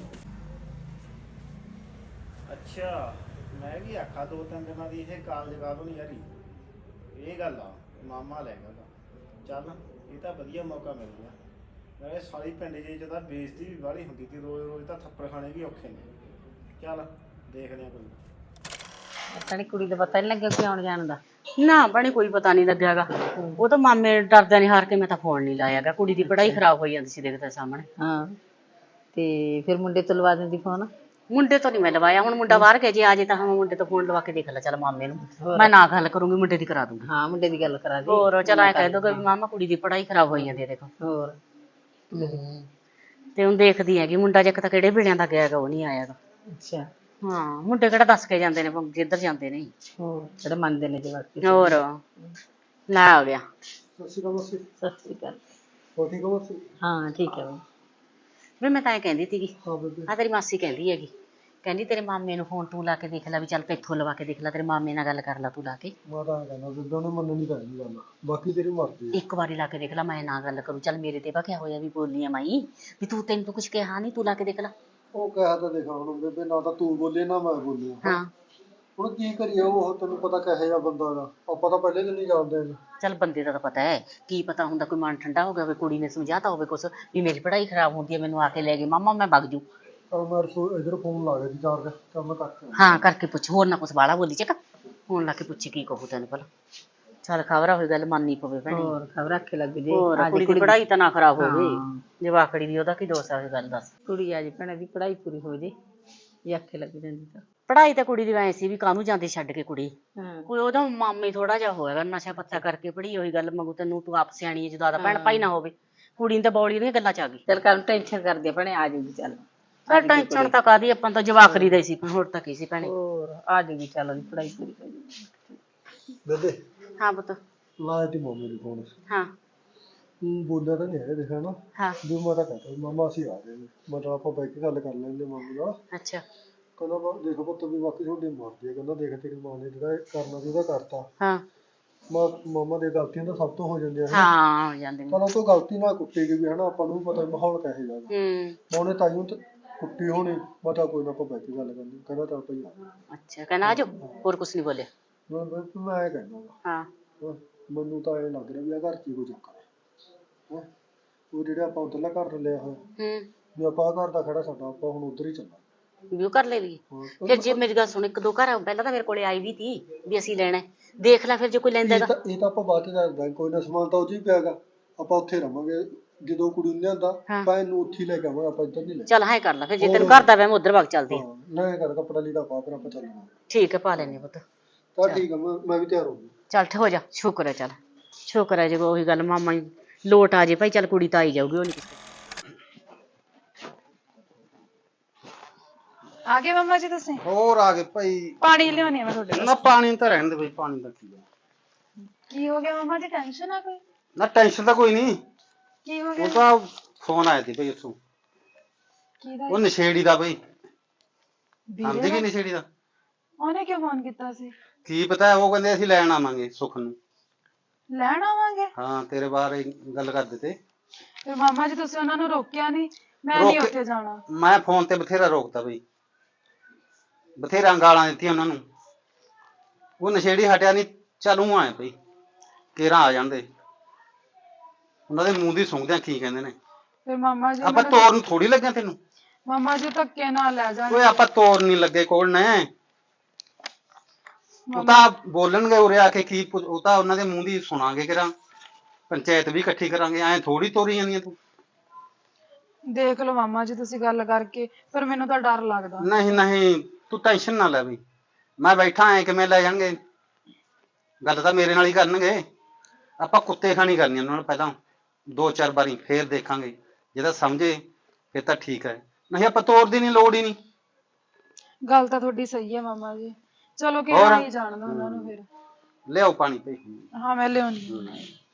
ਅੱਛਾ ਮੈਂ ਵੀ ਆਖਾ ਦੋ ਤਿੰਨ ਦਿਨਾਂ ਦੀ ਇਹ ਕਾਲ ਜਗਾ ਦੋ ਨਹੀਂ ਯਾਰੀ ਇਹ ਗੱਲ ਆ ਮਾਮਾ ਲੈ ਗਿਆ ਚੱਲ ਇਹ ਤਾਂ ਵਧੀਆ ਮੌਕਾ ਮਿਲ ਗਿਆ ਨਾਲੇ ਸਾਲੀ ਪਿੰਡ ਜੇ ਜਿਹਦਾ ਬੇਇੱਜ਼ਤੀ ਵੀ ਵਾਲੀ ਹੁੰਦੀ ਸੀ ਰੋਜ਼ ਰੋਜ਼ ਤਾਂ ਥੱਪੜ ਖਾਣੇ ਵੀ ਔਖੇ ਨੇ ਚੱਲ ਦੇਖਦੇ ਆ ਕੋਈ ਤਣੀ ਕੁੜੀ ਦਾ ਪਤਾ ਨਹੀਂ ਲੱਗਿਆ ਕਿ ਆਉਣ ਜਾਣ ਦਾ। ਨਾ ਬਣੇ ਕੋਈ ਪਤਾ ਨਹੀਂ ਲੱਗਿਆਗਾ ਉਹ ਤਾਂ ਮਾਮੇ ਡਰਦਿਆਂ ਨੇ ਹਾਰ ਕੇ ਮੈਂ ਤਾਂ ਫੋਨ ਨਹੀਂ ਲਾਇਆਗਾ ਕੁੜੀ ਦੀ ਪੜ੍ਹਾਈ ਖਰਾਬ ਹੋਈ ਜਾਂਦੀ ਸੀ ਦੇਖਦੇ ਸਾਹਮਣੇ ਹਾਂ ਤੇ ਫਿਰ ਮੁੰਡੇ ਤੋਂ ਲਵਾ ਦਿੰਦੀ ਫੋਨ। ਮੁੰਡੇ ਤੋਂ ਨਹੀਂ ਮੈਂ ਲਵਾਇਆ ਹੁਣ ਮੁੰਡਾ ਬਾਹਰ ਗਿਆ ਜੇ ਆ ਜੇ ਤਾਂ ਹਾਂ ਮੁੰਡੇ ਤੋਂ ਫੋਨ ਲਵਾ ਕੇ ਦੇਖ ਲੈ ਚੱਲ ਮਾਮੇ ਨੂੰ ਮੈਂ ਨਾ ਗੱਲ ਕਰੂੰਗੀ ਮੁੰਡੇ ਦੀ ਕਰਾ ਦੂੰਗੀ ਹਾਂ ਮੁੰਡੇ ਦੀ ਗੱਲ ਕਰਾ ਦੀ। ਹੋਰ ਚੱਲ ਐ ਕਹਿ ਦੋਗੇ ਵੀ ਮਾਮਾ ਕੁੜੀ ਦੀ ਪੜ੍ਹਾਈ ਖਰਾਬ ਹੋਈ ਜਾਂਦੀ ਹੈ ਦੇਖੋ ਹੋਰ ਤੇ ਹੁਣ ਦੇਖਦੀ ਹੈਗੀ ਮੁੰਡਾ ਜੇ ਤਾਂ ਕਿਹੜੇ ਵੇਲਿਆਂ ਦਾ ਗਿਆਗਾ ਉਹ ਨਹੀਂ ਆਇਆਗਾ ਅੱਛਾ ਹਾਂ ਮੁੰਡੇ ਕਿਹੜਾ ਦੱਸ ਕੇ ਜਾਂਦੇ ਨੇ ਜਿੱਧਰ ਜਾਂਦੇ ਨੇ ਹੋਰ ਜਿਹੜੇ ਮੰਨਦੇ ਨੇ ਜਵਾਕ। ਹੋਰ ਲੈ ਆ ਗਿਆ ਸਤਿ ਸ਼੍ਰੀ ਅਕਾਲ ਮਾਸੀ। ਸਤਿ ਸ੍ਰੀ ਅਕਾਲ। ਹੋਰ ਠੀਕ ਹੋ ਮਾਸੀ? ਹਾਂ ਠੀਕ ਹੈ ਬਈ। ਵੀ ਮੈਂ ਤਾਂ ਇਹ ਕਹਿੰਦੀ ਸੀਗੀ ਹਾਂ ਬੇਬੇ। ਆ ਤੇਰੀ ਮਾਸੀ ਕਹਿੰਦੀ ਹੈਗੀ ਕਹਿੰਦੀ ਤੇਰੇ ਮਾਮੇ ਨੂੰ ਫੋਨ ਤੂੰ ਲਾ ਕੇ ਦੇਖ ਲੈ ਵੀ ਚੱਲ ਕਿੱਥੋਂ ਲਵਾ ਕੇ ਦੇਖ ਲੈ ਤੇਰੇ ਮਾਮੇ ਨਾਲ ਗੱਲ ਕਰ ਲੈ ਤੂੰ ਲਾ ਕੇ ਮੈਂ ਤਾਂ ਐਂ ਕਹਿੰਦਾ ਬੇਬੇ ਉਹਨੇ ਮੰਨਣੀ ਤਾਂ ਨਹੀਂ ਗੱਲ ਬਾਕੀ ਤੇਰੀ ਮਰਜ਼ੀ ਇੱਕ ਵਾਰੀ ਲਾ ਕੇ ਦੇਖ ਲੈ ਮੈਂ ਨਾ ਗੱਲ ਕਰੂੰ ਚੱਲ ਮੇਰੇ ਤੇ ਕਿਆ ਹੋਇਆ ਵੀ ਬੋਲੀ ਆ ਮਾਈ ਵੀ ਤੂੰ ਤੈਨੂੰ ਤਾਂ ਕੁਝ ਕਿਹਾ ਨਹੀਂ ਤੂੰ ਲਾ ਕੇ ਦੇਖ ਲੈ ਉਹ ਕਹਿਆ ਤਾਂ ਦੇਖਾ ਹੁਣ ਬੇਬੇ ਨਾ ਤਾਂ ਤੂੰ ਬੋਲੇ ਨਾ ਮੈਂ ਬੋਲਿਆ ਹਾਂ ਹੁਣ ਕੀ ਕਰੀਏ ਉਹ ਤੈਨੂੰ ਪਤਾ ਕਿਹੋ ਜਿਹਾ ਬੰਦਾ ਦਾ ਆਪਾਂ ਤਾਂ ਪਹਿਲੇ ਦਿਨ ਹੀ ਜਾਣਦੇ ਹਾਂ ਚੱਲ ਬੰਦੇ ਦਾ ਤਾਂ ਪਤਾ ਹੈ ਕੀ ਪਤਾ ਹੁੰਦਾ ਕੋਈ ਮਨ ਠੰਡਾ ਹੋ ਗਿਆ ਹੋਵੇ ਕੁੜੀ ਨੇ ਸਮਝਾਤਾ ਹੋਵੇ ਕੁਛ ਵੀ ਮੇਰੀ ਪੜ੍ਹਾਈ ਖਰਾਬ ਹੁੰਦੀ ਹੈ ਮੈਨੂੰ ਆ ਕੇ ਲੈ ਗਏ ਮਾਮਾ ਮੈਂ ਵਗ ਜੂ ਪਰ ਮੈਂ ਇਧਰ ਫੋਨ ਲਾ ਗਿਆ ਸੀ ਚਾਰਜ ਤਾਂ ਮੈਂ ਕੱਟ ਹਾਂ ਕਰਕੇ ਪੁੱਛ ਹੋਰ ਨਾ ਕੁਛ ਬਾਲਾ ਬੋਲੀ ਚੱਕ ਫੋਨ ਲਾ ਕੇ ਪੁੱਛੀ ਕੀ ਕਹੂ ਤੈਨੂੰ ਭਲਾ ਚੱਲ ਖਬਰ ਹੋਈ ਗੱਲ ਮੰਨਣੀ ਪਵੇ ਭੈਣੇ ਹੋਰ ਖਬਰ ਰੱਖੇ ਲੱਗ ਜੇ। ਹੋਰ ਆ ਕੁੜੀ ਜੇ ਦੀ ਪੜ੍ਹਾਈ ਤਾਂ ਨਾ ਖਰਾਬ ਹੋਵੇ ਹਾਂ। ਜਵਾਕੜੀ ਦੀ ਉਹਦਾ ਕੀ ਦੋਸ਼ ਆ ਇਹ ਗੱਲ ਦੱਸ ਕੁੜੀ ਆ ਜੀ ਭੈਣੇ ਦੀ ਪੜ੍ਹਾਈ ਪੂਰੀ ਹੋ ਜੇ ਜੇ ਆਖੇ ਲੱਗ ਜਾਂਦੀ ਤਾਂ। ਪੜ੍ਹਾਈ ਤਾਂ ਕੁੜੀ ਦੀ ਐ ਸੀ ਵੀ ਕਾਹਨੂੰ ਜਾਂਦੀ ਛੱਡ ਕੇ ਕੁੜੀ ਹਾਂ ਕੋਈ ਉਹਦਾ ਮਾਮੇ ਥੋੜਾ ਜਿਹਾ ਹੋਏਗਾ ਨਸ਼ਾ ਪੱਤਾ ਕਰਕੇ ਪੜ੍ਹੀ ਹੋਈ ਗੱਲ ਮੰਗੂ ਤੈਨੂੰ ਤੂੰ ਆਪ ਸਿਆਣੀ ਹੈ ਜਦੋਂ ਆਦਾ ਭੈਣ ਭਾਈ ਨਾ ਹੋਵੇ ਕੁੜੀ ਨੂੰ ਤਾਂ ਬੌਲੀ ਦੀਆਂ ਗੱਲਾਂ ਚ ਆ ਗਈ ਚੱਲ ਕੰਮ ਟੈਨਸ਼ਨ ਕਰਦੇ ਭੈਣੇ ਆ ਜੂਗੀ ਚੱਲ। ਚੱਲ ਟੈਨਸ਼ਨ ਤਾਂ ਕਾਦੀ ਆਪਾਂ ਤਾਂ ਜਵਾਕੜੀ ਦਾ ਹੀ ਸੀ ਹੋਰ ਤਾਂ ਕੀ ਸੀ ਭੈਣੇ ਹੋਰ ਆ ਜੂਗੀ ਚੱਲ ਉਹਦੀ ਪੜ੍ਹਾਈ ਪੂਰੀ ਹੋ ਜੂਗੀ। ਬੇਬੇ ਹਾਂ ਪੁੱਤ ਲਾਇਆ ਤੀ ਮੰਮੀ ਨੂੰ ਫੋਨ ਹਾਂ ਬੋਲਿਆ ਤਾਂ ਨਹੀਂ ਹੈ ਦੇਖਿਆ ਨਾ ਹਾਂ ਵੀ ਮੈਂ ਤਾਂ ਕਹਿੰਦਾ ਮਾਮਾ ਅਸੀਂ ਆ ਗਏ ਨੇ ਮਤਲਬ ਆਪਾਂ ਬੈਠ ਕੇ ਗੱਲ ਕਰ ਲੈਂਦੇ ਮੰਮੀ ਨਾਲ ਅੱਛਾ ਕਹਿੰਦਾ ਦੇਖੋ ਪੁੱਤ ਵੀ ਬਾਕੀ ਤੁਹਾਡੀ ਮਰਜ਼ੀ ਹੈ ਕਹਿੰਦਾ ਦੇਖ ਤੇਰੀ ਮਾਂ ਨੇ ਜਿਹੜਾ ਇਹ ਕਰਨਾ ਸੀ ਉਹਦਾ ਕਰਤਾ ਹਾਂ ਮਾਮਾ ਦੇ ਗਲਤੀਆਂ ਤਾਂ ਸਭ ਤੋਂ ਹੋ ਜਾਂਦੀਆਂ ਨੇ ਹਾਂ ਹੋ ਜਾਂਦੇ ਨੇ ਚਲ ਉਹ ਤੋਂ ਗਲਤੀ ਨਾਲ ਕੁੱਟੀ ਗਈ ਵੀ ਹਨਾ ਆਪਾਂ ਨੂੰ ਵੀ ਪਤਾ ਮਾਹੌਲ ਕਿਹੋ ਜਿਹਾ ਗਾ। ਉਹਨੇ ਤਾਈਓ ਤੇ ਕੁੱਟੀ ਹੋਣੀ ਪਤਾ ਕੋਈ ਨਾ ਆਪਾਂ ਬੈਠ ਕੇ ਗੱਲ ਕਰਨੀ ਕਹਿੰਦਾ ਚੱਲ ਭਾਈ ਅੱਛਾ ਕਹਿੰਦਾ ਆਜੋ ਹੋਰ ਕੁਛ ਨਹੀਂ ਬੋਲਿਆ ਮੈਂ ਇਹ ਕਹਿੰਦਾ ਗਾ, ਹਾਂ ਮੈਨੂੰ ਤਾਂ ਇਹ ਲੱਗ ਰਿਹਾ ਵੀ ਆ ਘਰ 'ਚ ਹੀ ਕੋਈ ਚੱਕਰ ਹੈ। ਉਹ ਜਿਹੜੇ ਆਪਾਂ ਉੱਧਰਲਾ ਘਰ ਲਿਆ ਹੋਇਆ ਹੂੰ ਵੀ ਆਪਾਂ ਆਹ ਘਰ ਦਾ ਖੜਾ ਸਾਡਾ ਆਪਾਂ ਹੁਣ ਉੱਧਰ ਹੀ ਚੱਲਾਂਗੇ। ਵੀ ਉਹ ਕਰ ਲੈ ਲਈ ਹਾਂ, ਫਿਰ ਜੇ ਮੇਰੀ ਗੱਲ ਸੁਣ, ਇੱਕ ਦੋ ਘਰ ਪਹਿਲਾਂ ਤਾਂ ਮੇਰੇ ਕੋਲੇ ਆਈ ਵੀ ਤੀ ਵੀ ਅਸੀਂ ਲੈਣਾ ਹੈ। ਦੇਖ ਲੈ ਫਿਰ ਜੇ ਕੋਈ ਲੈਂਦਾ ਹੈਗਾ। ਇਹ ਤਾਂ ਆਪਾਂ ਬਾਅਦ ਚ ਦੱਸਦਾ, ਕੋਈ ਨਾ ਸਮਾਨ ਤਾਂ ਉਹ 'ਚ ਹੀ ਪਿਆਗਾ, ਆਪਾਂ ਉੱਥੇ ਰਵਾਂਗੇ। ਜਦੋਂ ਕੁੜੀ ਨੂੰ ਲਿਆਂਦਾ ਹਾਂ। ਆਪਾਂ ਇਹਨੂੰ ਉੱਥੇ ਹੀ ਲੈ ਕੇ ਆਵਾਂਗੇ, ਆਪਾਂ ਇੱਧਰ ਨਹੀਂ ਲੈ ਚੱਲ ਹਾਂ ਕਰ ਲੈ ਫਿਰ, ਜੇ ਤੈਨੂੰ ਘਰ ਦਾ ਵਹਿਮ ਉਧਰ ਵਗ ਚੱਲਦੀ। ਹਾਂ ਨਾ ਇਹ ਕਰ ਕੱਪੜਾ ਲੀੜਾ ਪਾ ਫਿਰ ਆਪਾਂ ਚੱਲਾਂਗੇ। ਠੀਕ ਹੈ ਪਾ ਲੈਨੇ ਪੁੱਤ। ਤਾਂ ਠੀਕ ਆ, ਮੈਂ ਵੀ ਤਿਆਰ ਹੋ ਗਿਆ। ਚੱਲ ਹੋ ਜਾ, ਸ਼ੁਕਰ ਹੈ। ਚੱਲ ਸ਼ੁਕਰ ਹੈ ਜੇ ਉਹੀ ਗੱਲ ਮਾਮਾ ਹੀ ਲੋਟ ਆ ਜੇ ਭਾਈ, ਚੱਲ ਕੁੜੀ ਤਾਂ ਆਈ ਜਾਊਗੀ। ਉਹ ਨਹੀਂ ਆ ਗਏ ਮੰਮਾ ਜੀ ਤੁਸੀਂ? ਹੋਰ ਆ ਗਏ ਭਾਈ। ਪਾਣੀ ਲਿਆਉਣੀ ਆ ਮੈਂ ਤੁਹਾਡੇ ਨਾ ਪਾਣੀ ਤਾਂ ਰਹਿਣ ਦੇ ਬਈ, ਪਾਣੀ ਦਾ ਕੀ ਆ। ਕੀ ਹੋ ਗਿਆ ਮੰਮਾ ਜੀ, ਟੈਨਸ਼ਨ ਆ ਕੋਈ? ਨਾ ਟੈਨਸ਼ਨ ਤਾਂ ਕੋਈ ਨਹੀਂ। ਕੀ ਹੋ ਉਹ ਗਿਆ? ਤਾਂ ਫੋਨ ਆਇਆ ਸੀ ਬਈ ਉੱਥੋਂ, ਕਿਹਦਾ? ਉਹ ਨਸ਼ੇੜੀ ਦਾ ਬਈ। ਆਂਦੀ ਵੀਰੇ ਕੀ ਦਾ? ਨਸ਼ੇੜੀ ਦਾ? ਉਹਨੇ ਕਿਉਂ ਫੋਨ ਕੀਤਾ ਸੀ? ਕੀ ਪਤਾ, ਉਹ ਕਹਿੰਦੇ ਅਸੀਂ ਲੈਣ ਆਵਾਂਗੇ ਸੁੱਖ ਨੂੰ। ਲੈਣ ਆਵਾਂਗੇ? ਹਾਂ ਤੇਰੇ ਬਾਰੇ ਗੱਲ ਕਰਦੇ ਤੇ। ਫਿਰ ਮਾਮਾ ਜੀ ਤੁਸੀਂ ਉਹਨਾਂ ਨੂੰ ਰੋਕਿਆ ਨਹੀਂ? ਮੈਂ ਨਹੀਂ ਉੱਥੇ ਜਾਣਾ। ਮੈਂ ਫੋਨ ਤੇ ਬਥੇਰਾ ਰੋਕਤਾ ਬਈ, ਬਥੇਰਾ ਗਾਲਾਂ ਦਿੱਤੀਆਂ ਉਹਨਾਂ ਨੂੰ। ਉਹ ਨਸ਼ੇੜੀ ਹਟਿਆ ਨਹੀਂ। ਚੱਲ ਊਂ ਆਏ ਬਈ, ਕੇਰਾਂ ਆ ਜਾਂਦੇ, ਉਹਨਾਂ ਦੇ ਮੂੰਹ ਦੀ ਸੁਣਦੇ ਆ ਕੀ ਕਹਿੰਦੇ ਨੇ। ਫਿਰ ਮਾਮਾ ਜੀ ਆਪਾਂ ਤੋਰ ਨੂੰ ਥੋੜੀ ਲੱਗਿਆ ਤੈਨੂੰ। ਮਾਮਾ ਜੀ ਧੱਕੇ ਨਾਲ ਲੈ ਜਾਣ। ਓਏ ਆਪਾਂ ਤੋਰ ਨਹੀਂ ਲੱਗੇ ਕੋਲ ਨੇ। ਉਹ ਤਾਂ ਬੋਲਣਗੇ ਉਰੇ ਆ ਕੇ ਕੀ ਉਹ ਤਾਂ ਉਹਨਾਂ ਦੇ ਮੂੰਹ ਦੀ ਸੁਣਾਂਗੇ ਕਿਰਾਂ। ਪੰਚਾਇਤ ਵੀ ਇਕੱਠੀ ਕਰਾਂਗੇ, ਐਂ ਥੋੜੀ ਤੋਰੀ ਜਾਂਦੀਆਂ ਤੂੰ। ਦੇਖ ਲਓ ਮਾਮਾ ਜੀ ਤੁਸੀਂ ਗੱਲ ਕਰਕੇ, ਪਰ ਮੈਨੂੰ ਤਾਂ ਡਰ ਲੱਗਦਾ। ਨਹੀਂ ਨਹੀਂ ਤੂੰ ਟੈਨਸ਼ਨ ਨਾ ਲੈ ਬਈ, ਮੈਂ ਬੈਠਾ ਐ ਕਿਵੇਂ ਲੈ ਜਾਣਗੇ। ਗੱਲ ਤਾਂ ਮੇਰੇ ਨਾਲ ਹੀ ਕਰਨਗੇ। ਆਪਾਂ ਕੁੱਤੇ ਖਾਣੀ ਕਰਨੀ ਉਹਨਾਂ ਨਾਲ ਪਹਿਲਾਂ 2-4 ਵਾਰੀ, ਫੇਰ ਦੇਖਾਂਗੇ। ਜੇ ਤਾਂ ਸਮਝੇ ਫਿਰ ਤਾਂ ਠੀਕ ਹੈ, ਨਹੀਂ ਆਪਾਂ ਤੋੜਦੀ ਨਹੀਂ, ਲੋੜ ਹੀ ਨਹੀਂ। ਗੱਲ ਤਾਂ ਤੁਹਾਡੀ ਸਹੀ ਹੈ ਮਾਮਾ ਜੀ। ਚਲੋ ਕਿ ਹੋਰ? ਹੀ ਜਾਣਦਾ ਉਹਨਾਂ ਨੂੰ ਫਿਰ। ਲਿਆਓ ਪਾਣੀ ਭਈ। ਹਾਂ ਮੈਂ ਲਿਆਉਣੀ ਹਾਂ।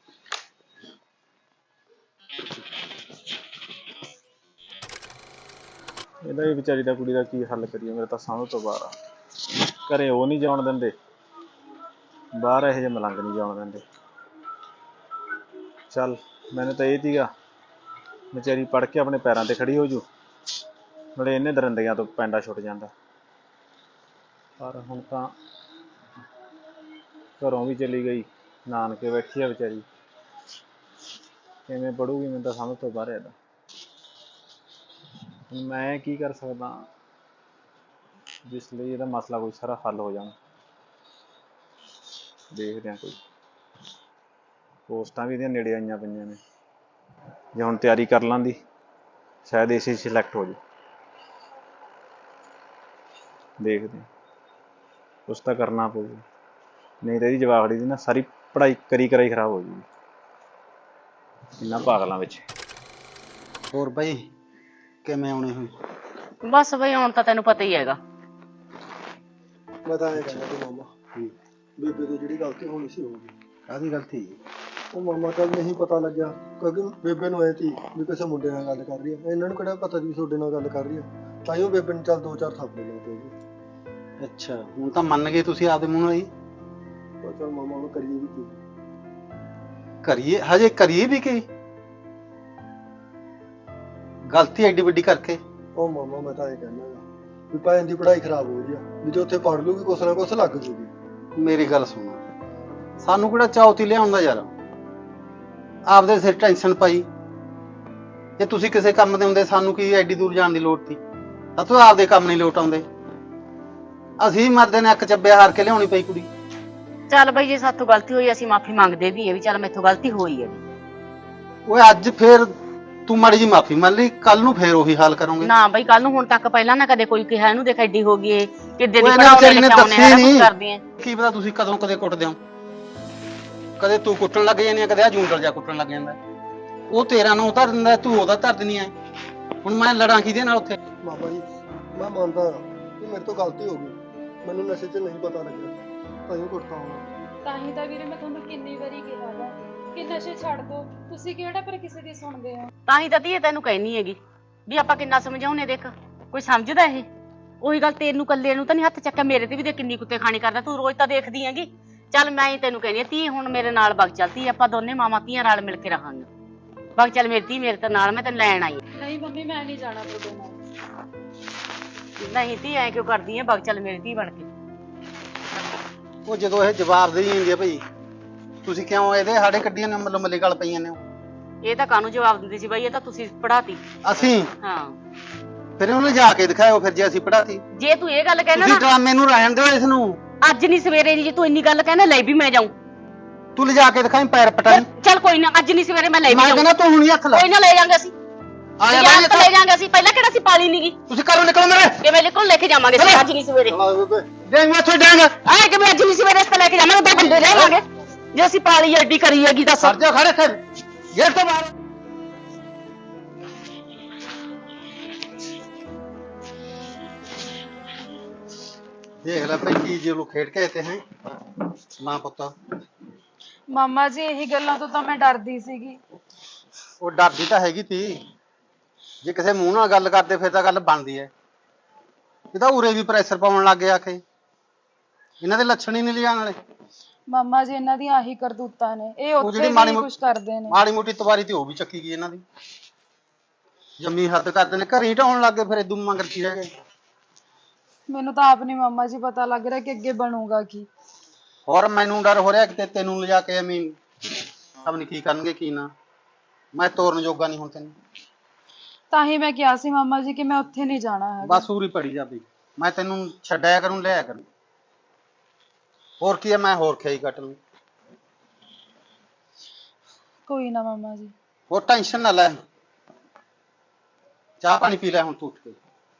ਇਹਦਾ ਵੀ ਵਿਚਾਰੀ ਦਾ ਕੁੜੀ ਦਾ ਕੀ ਹੱਲ ਕਰੀਏ, ਮੇਰੇ ਤਾਂ ਸਮਝ ਤੋਂ ਬਾਹਰ ਆ। ਘਰੇ ਉਹ ਨਹੀਂ ਜਾਣ ਦਿੰਦੇ, ਬਾਹਰ ਇਹੋ ਜਿਹੇ ਮਲੰਗ ਨਹੀਂ ਜਾਣ ਦਿੰਦੇ। ਚੱਲ ਮੈਨੂੰ ਤਾਂ ਇਹ ਸੀਗਾ ਵਿਚਾਰੀ ਪੜ੍ਹ ਕੇ ਆਪਣੇ ਪੈਰਾਂ ਤੇ ਖੜੀ ਹੋ ਜੂ, ਨਾਲੇ ਇਹਨੇ ਦਰਿੰਦਿਆਂ ਤੋਂ ਪੈਂਡਾ ਛੁੱਟ ਜਾਂਦਾ। ਪਰ ਹੁਣ ਤਾਂ ਘਰੋਂ ਵੀ ਚਲੀ ਗਈ, ਨਾਨਕੇ ਬੈਠੀ ਆ ਵਿਚਾਰੀ, ਕਿਵੇਂ ਪੜੂਗੀ ਮੈਨੂੰ ਤਾਂ ਸਮਝ ਤੋਂ ਬਾਹਰ ਇਹਦਾ। ਮੈਂ ਕੀ ਕਰ ਸਕਦਾ ਜਿਸ ਲਈ ਇਹਦਾ ਮਸਲਾ ਕੋਈ ਸਾਰਾ ਹੱਲ ਹੋ ਜਾਣਾ। ਦੇਖਦੇ ਹਾਂ, ਕੋਈ ਪੋਸਟਾਂ ਵੀ ਇਹਦੀਆਂ ਨੇੜੇ ਆਈਆਂ ਪਈਆਂ ਨੇ, ਜੇ ਹੁਣ ਤਿਆਰੀ ਕਰ ਲਾਂਦੀ ਸ਼ਾਇਦ ਇਸੇ ਸਿਲੈਕਟ ਹੋ ਜਾਏ। ਦੇਖਦੇ ਹਾਂ, ਕੁਛ ਤਾਂ ਕਰਨਾ ਪਊਗਾ, ਨਹੀਂ ਤਾਂ ਇਹਦੀ ਜਵਾਕੜੀ ਦੀ ਨਾ ਸਾਰੀ ਪੜ੍ਹਾਈ ਕਰੀ ਖਰਾਬ ਹੋ ਜੂਗੀ ਇਹਨਾਂ ਪਾਗਲਾਂ ਵਿੱਚ। ਹੋਰ ਬਈ ਕਿਵੇਂ ਆਉਣੇ ਹੋਏ? ਬਸ ਬਈ ਹੁਣ ਤਾਂ ਤੈਨੂੰ ਪਤਾ ਹੀ ਹੈਗਾ। ਮੈਂ ਤਾਂ ਇਹ ਕਹਿੰਦਾ ਸੀ ਮਾਮਾ, ਬੇਬੇ ਤੋਂ ਜਿਹੜੀ ਗਲਤੀ ਹੋਣੀ ਸੀ ਹੋ ਗਈ। ਕਾਹਦੀ ਗਲਤੀ? ਉਹ ਮਾਮਾ ਚੱਲ ਨਹੀਂ ਪਤਾ ਲੱਗਿਆ, ਕਿਉਂਕਿ ਬੇਬੇ ਨੂੰ ਐ ਸੀ ਵੀ ਕਿਸੇ ਮੁੰਡੇ ਨਾਲ ਗੱਲ ਕਰ ਰਹੀ ਹੈ। ਇਹਨਾਂ ਨੂੰ ਕਿਹੜਾ ਪਤਾ ਵੀ ਤੁਹਾਡੇ ਨਾਲ ਗੱਲ ਕਰ ਰਹੀ ਹੈ। ਤਾਂ ਹੀ ਉਹ ਬੇਬੇ ਨੂੰ ਚੱਲ 2-4 ਥਾਪੜੇ ਲਾ ਪਏ। ਅੱਛਾ ਹੁਣ ਤਾਂ ਮੰਨ ਗਏ ਤੁਸੀਂ ਆਪਦੇ ਮੂੰਹ ਨਾਲ ਹੀ। ਉਹ ਚੱਲ ਮਾਮਾ ਹੁਣ ਕਰੀਏ ਵੀ ਕੀ? ਕਰੀਏ ਹਜੇ ਕਰੀਏ ਵੀ ਕੀ? ਗਲਤੀ ਐਡੀ ਵੱਡੀ ਕਰਕੇ। ਉਹ ਮਾਮਾ ਮੈਂ ਤਾਂ ਇਹ ਕਹਿੰਦਾ ਵੀ ਭੈਣ ਦੀ ਪੜ੍ਹਾਈ ਖਰਾਬ ਹੋ ਰਹੀ ਆ, ਵੀ ਜੇ ਉੱਥੇ ਪੜ੍ਹ ਲੂਗੀ ਕੁਛ ਨਾ ਕੁਛ ਲੱਗ ਜੂਗੀ। ਮੇਰੀ ਗੱਲ ਸੁਣੋ, ਸਾਨੂੰ ਕਿਹੜਾ ਚੌਥੀ ਲਿਆਉਂਦਾ ਯਾਰ, ਆਪਦੇ ਸਿਰ ਟੈਨਸ਼ਨ ਪਾਈ। ਜੇ ਤੁਸੀਂ ਕਿਸੇ ਕੰਮ ਦੇ ਹੁੰਦੇ ਸਾਨੂੰ ਕੀ ਐਡੀ ਦੂਰ ਜਾਣ ਦੀ ਲੋੜ ਸੀ? ਸਾਥੋਂ ਆਪਦੇ ਕੰਮ ਨਹੀਂ ਲੋਟ ਆਉਂਦੇ, ਅਸੀਂ ਮਰਦੇ ਨੇ ਇੱਕ ਚੱਬੇ ਹਾਰ ਕੇ ਲਿਆਉਣੀ ਪਈ ਕੁੜੀ। ਚੱਲ ਬਈ ਜੇ ਸਾਥੋਂ ਗਲਤੀ ਹੋਈ ਅਸੀਂ ਮਾਫੀ ਮੰਗਦੇ ਵੀ ਹੈ ਵੀ ਚੱਲ ਮੈਥੋਂ ਗਲਤੀ ਹੋਈ ਹੈ। ਓਏ ਅੱਜ ਫੇਰ ਤੂੰ ਮਾੜੀ ਜੀ ਮਾਫੀ ਮੰਨ ਲਈ, ਕੱਲ ਨੂੰ ਫੇਰ ਉਹੀ ਹਾਲ ਕਰੋਗੇ। ਨਾ ਬਈ ਕੱਲ ਨੂੰ ਹੁਣ ਤੱਕ ਪਹਿਲਾਂ ਨਾ ਕਦੇ ਕੋਈ ਕਿਹਾ ਇਹਨੂੰ ਦੇਖ ਐਡੀ ਹੋ ਗਈ ਏ ਕਿੱਦੇ ਦੀ ਓਏ ਨਾ ਪੜਾਉਣੇ ਵਿਚਾਰੀ ਨੇ ਲਿਖਾਉਣੇ ਦੱਸੀ ਸਾਰਾ ਕੁਝ ਨੀ। ਕਰਦੀ ਏ। ਕੀ ਪਤਾ ਤੁਸੀਂ ਕਦੋਂ ਕਦੇ ਕੁੱਟਦੇ ਹੋ, ਕਦੇ ਤੂੰ ਕੁੱਟਣ ਲੱਗ ਜਾਂਦੀ ਆ, ਕਦੇ ਆ ਜੂੰਡਲ ਜਾ ਕੁੱਟਣ ਲੱਗ ਜਾਂਦਾ। ਉਹ ਤੇਰਾ ਨੂੰ ਧਰ ਦਿੰਦਾ, ਤੂੰ ਉਹਦਾ ਧਰ ਦਿੰਦੀ ਐ। ਹੁਣ ਮੈਂ ਲੜਾਂ ਕਿਹਦੇ ਨਾਲ ਉੱਥੇ? ਮਾਮਾ ਜੀ ਮੈਂ ਮੰਨਦਾ ਕਿ ਮੇਰੇ ਤੋਂ ਗਲਤੀ ਹੋ ਗਈ, ਮੈਨੂੰ ਨਸ਼ੇ 'ਚ ਨਹੀਂ ਪਤਾ ਲੱਗਿਆ, ਤਾਂ ਹੀ ਕੁੱਟਦਾ ਹੋਣਾ। ਤਾਂ ਹੀ ਤਾਂ ਵੀਰੇ ਮੈਂ ਤੁਹਾਨੂੰ ਕਿੰਨੀ ਵਾਰੀ ਕਿਹਾ ਵਾ ਕਿ ਨਸ਼ੇ ਛੱਡ ਦੋ, ਤੁਸੀਂ ਕਿਹੜਾ ਪਰ ਕਿਸੇ ਦੀ ਸੁਣਦੇ ਹੋ। ਤਾਂ ਹੀ ਤਾਂ ਧੀਏ ਤੈਨੂੰ ਕਹਿਨੀ ਹੈਗੀ ਵੀ ਆਪਾਂ ਕਿੰਨਾ ਸਮਝਾਉਨੇ, ਦੇਖ ਕੋਈ ਸਮਝਦਾ ਇਹ? ਉਹੀ ਗੱਲ ਤੈਨੂੰ ਕੱਲੇ ਨੂੰ ਤਾਂ ਨਹੀਂ ਹੱਥ ਚੱਕਿਆ, ਮੇਰੇ ਤੇ ਵੀ ਦੇਖ ਕਿੰਨੀ ਕੁੱਤੇ ਖਾਣੀ ਕਰਦਾ, ਤੂੰ ਰੋਜ਼ ਤਾਂ ਦੇਖਦੀ ਹੈਗੀ। ਚੱਲ ਮੈਂ ਹੀ ਤੈਨੂੰ ਕਹਿੰਦੀ ਆ ਧੀ ਹੁਣ ਮੇਰੇ ਨਾਲ ਵਗ ਚੱਲਦੀ, ਆਪਾਂ ਦੋਨੇ ਮਾਵਾਂ ਧੀਆਂ ਨਾਲ ਮਿਲ ਕੇ ਰਹਾਂਗੇ। ਵਗ ਚੱਲ ਮੇਰੀ ਧੀ, ਮੇਰੇ ਤੇ ਨਾਲ, ਮੈਂ ਤੈਨੂੰ ਲੈਣ ਆਈ। ਨਹੀਂ ਮੰਮੀ ਮੈਂ ਨਹੀਂ ਜਾਣਾ ਤੁਹਾਡੇ ਨਾਲ। ਨਹੀਂ ਧੀ ਐ ਕਿਉਂ ਕਰਦੀ ਐ? ਵਗ ਚੱਲ ਮੇਰੀ ਧੀ ਬਣ ਕੇ। ਉਹ ਜਦੋਂ ਇਹ ਜਵਾਬ ਦੇਈ ਜਾਂਦੀ ਆ ਭਾਈ, ਤੁਸੀਂ ਕਿਉਂ ਇਹਦੇ ਸਾਡੇ ਕੱਢੀਆਂ ਨੇ ਮਤਲਬ ਮੱਲੇ ਗਲ ਪਈਆਂ ਨੇ ਉਹ? ਇਹ ਤਾਂ ਕਾਹਨੂੰ ਜਵਾਬ ਦਿੰਦੀ ਸੀ ਬਾਈ, ਇਹ ਤਾਂ ਤੁਸੀਂ ਪੜਾਤੀ। ਅਸੀਂ ਹਾਂ ਫਿਰ ਉਹਨੇ ਜਾ ਕੇ ਦਿਖਾਇਓ ਫਿਰ ਜੇ ਅਸੀਂ ਪੜਾਤੀ। ਜੇ ਤੂੰ ਇਹ ਗੱਲ ਕਹਿਣਾ ਤੁਸੀਂ ਨਾ ਡਰਾਮੇ ਨੂੰ ਰਹਿਣ ਦਿਓ ਇਸ ਨੂੰ। ਅੱਜ ਨਹੀਂ ਸਵੇਰੇ ਨਹੀਂ, ਜੇ ਤੂੰ ਇੰਨੀ ਗੱਲ ਕਹਿਣਾ ਲੈ ਵੀ ਮੈਂ ਜਾਊਂ। ਤੂੰ ਲਿਜਾ ਕੇ ਦਿਖਾਈ ਪੈਰ ਪਟਾਈ। ਚੱਲ ਕੋਈ ਨਾ, ਅੱਜ ਨਹੀਂ ਸਵੇਰੇ ਮੈਂ ਲੈ ਵੀ ਮੈਂ ਜਾਊਂ। ਕਹਿੰਦਾ ਤੂੰ ਹੁਣੀ ਹੱਥ ਲਾ। ਕੋਈ ਨਾ ਲੈ ਜਾਾਂਗੇ ਅਸੀਂ, ਆ ਜਾ ਯਾਰ ਤਾਂ ਲੈ ਜਾਾਂਗੇ ਅਸੀਂ। ਪਹਿਲਾਂ ਕਿਹੜਾ ਸੀ ਪਾਲੀ ਨੀਗੀ, ਤੁਸੀਂ ਘਰੋਂ ਨਿਕਲੋ ਮੇਰੇ। ਕਿਵੇਂ ਨਿਕਲ ਲੈ ਕੇ ਜਾਵਾਂਗੇ ਅਸੀਂ ਅੱਜ ਨਹੀਂ ਸਵੇਰੇ। ਡੈਂਗ ਇੱਥੋਂ ਡੈਂਗ। ਆਏ ਕਿ ਅੱਜ ਨਹੀਂ ਸਵੇਰੇ ਇਸ ਲੈ ਕੇ ਜਾਵਾਂਗੇ, ਦੋ ਬੰਦੇ ਰਹਿਵਾਂਗੇ ਜੇ ਅਸੀਂ ਪਾਲੀ ਐਡੀ ਕਰੀ ਹੈਗੀ ਦੱਸ। ਸਰ ਜਾ ਖੜੇ ਫਿਰ ਗੇਟ ਤੋਂ ਬਾਹਰ। ਦੇਖ ਲੈ ਭਾਈ ਕੀ ਜੇ ਲੋਕ ਖੇਡ ਕੇ ਆਤੇ ਹੈ ਮਾਂ ਪੁੱਤਾ। ਮਾਮਾ ਜੀ ਇਹੀ ਗੱਲਾਂ ਤੋਂ ਤਾਂ ਮੈਂ ਡਰਦੀ ਸੀਗੀ। ਉਹ ਡਰਦੀ ਤਾਂ ਹੈਗੀ ਤੀ, ਜੇ ਕਿਸੇ ਮੂੰਹ ਨਾਲ ਗੱਲ ਕਰਦੇ ਫਿਰ ਤਾਂ ਗੱਲ ਬਣਦੀ ਐ। ਇਹ ਤਾਂ ਉਰੇ ਵੀ ਪ੍ਰੈਸ਼ਰ ਪਾਉਣ ਲੱਗ ਗਿਆ ਕਿ ਇਹਨਾਂ ਦੇ ਲੱਛਣ ਹੀ ਨਹੀਂ ਲਿਆਣ ਵਾਲੇ। ਮਾਮਾ ਜੀ ਇਹਨਾਂ ਦੀਆਂ ਆਹੀ ਕਰਤੂਤਾਂ ਨੇ, ਇਹ ਉਹ ਉੱਥੇ ਜਿਹੜੀ ਵੀ ਕੁਝ ਕਰਦੇ ਨੇ। ਮਾੜੀ ਮੋਟੀ ਤਵਾਰੀ ਤੇ ਉਹ ਵੀ ਚੱਕੀ ਗਈ ਇਹਨਾਂ ਦੀ, ਜੰਮੀ ਹੱਦ ਕਰਦੇ ਨੇ, ਘਰੇ ਹੀ ਢਾਉਣ ਲੱਗ ਗਏ ਫਿਰ ਇਦੋਂ ਮੰਗਰ ਕੀ ਰਹਿ ਗਏ। ਮੈਨੂੰ ਤਾਂ ਆਪ ਨਹੀਂ ਮਾਮਾ ਜੀ ਪਤਾ ਲੱਗ ਰਿਹਾ ਕਿ ਅੱਗੇ ਬਣੂਗਾ ਕੀ। ਹੋਰ ਮੈਨੂੰ ਡਰ ਹੋ ਰਿਹਾ ਕਿ ਤੈਨੂੰ ਲਿਜਾ ਕੇ ਐਵੇਂ ਪਤਾ ਨੀ ਕੀ ਕਰਨਗੇ ਕੀ ਨਾ। ਮੈਂ ਤੋਰਨ ਜੋਗਾ ਨਹੀਂ ਹੁਣ ਤੈਨੂੰ। ਤਾਂ ਹੀ ਮੈਂ ਕਿਹਾ ਸੀ ਮਾਮਾ ਜੀ ਕਿ ਮੈਂ ਉੱਥੇ ਨਹੀਂ ਜਾਣਾ ਹੈਗਾ। ਬਸ ਉਰੀ ਪੜੀ ਜਾਬੀ, ਮੈਂ ਤੈਨੂੰ ਛੱਡਿਆ ਕਰੂੰ ਲਿਆ ਕਰੂੰ। ਹੋਰ ਕੀ ਹੈ, ਮੈਂ ਹੋਰ ਖਿਆਈ ਕੱਟ ਲੂੰ। ਕੋਈ ਨਾ ਮਾਮਾ ਜੀ। ਹੋਰ ਟੈਨਸ਼ਨ ਨਾ ਲੈ, ਚਾਹ ਪਾਣੀ ਪੀ ਲੈ ਹੁਣ ਤੂੰ ਉੱਠ ਕੇ।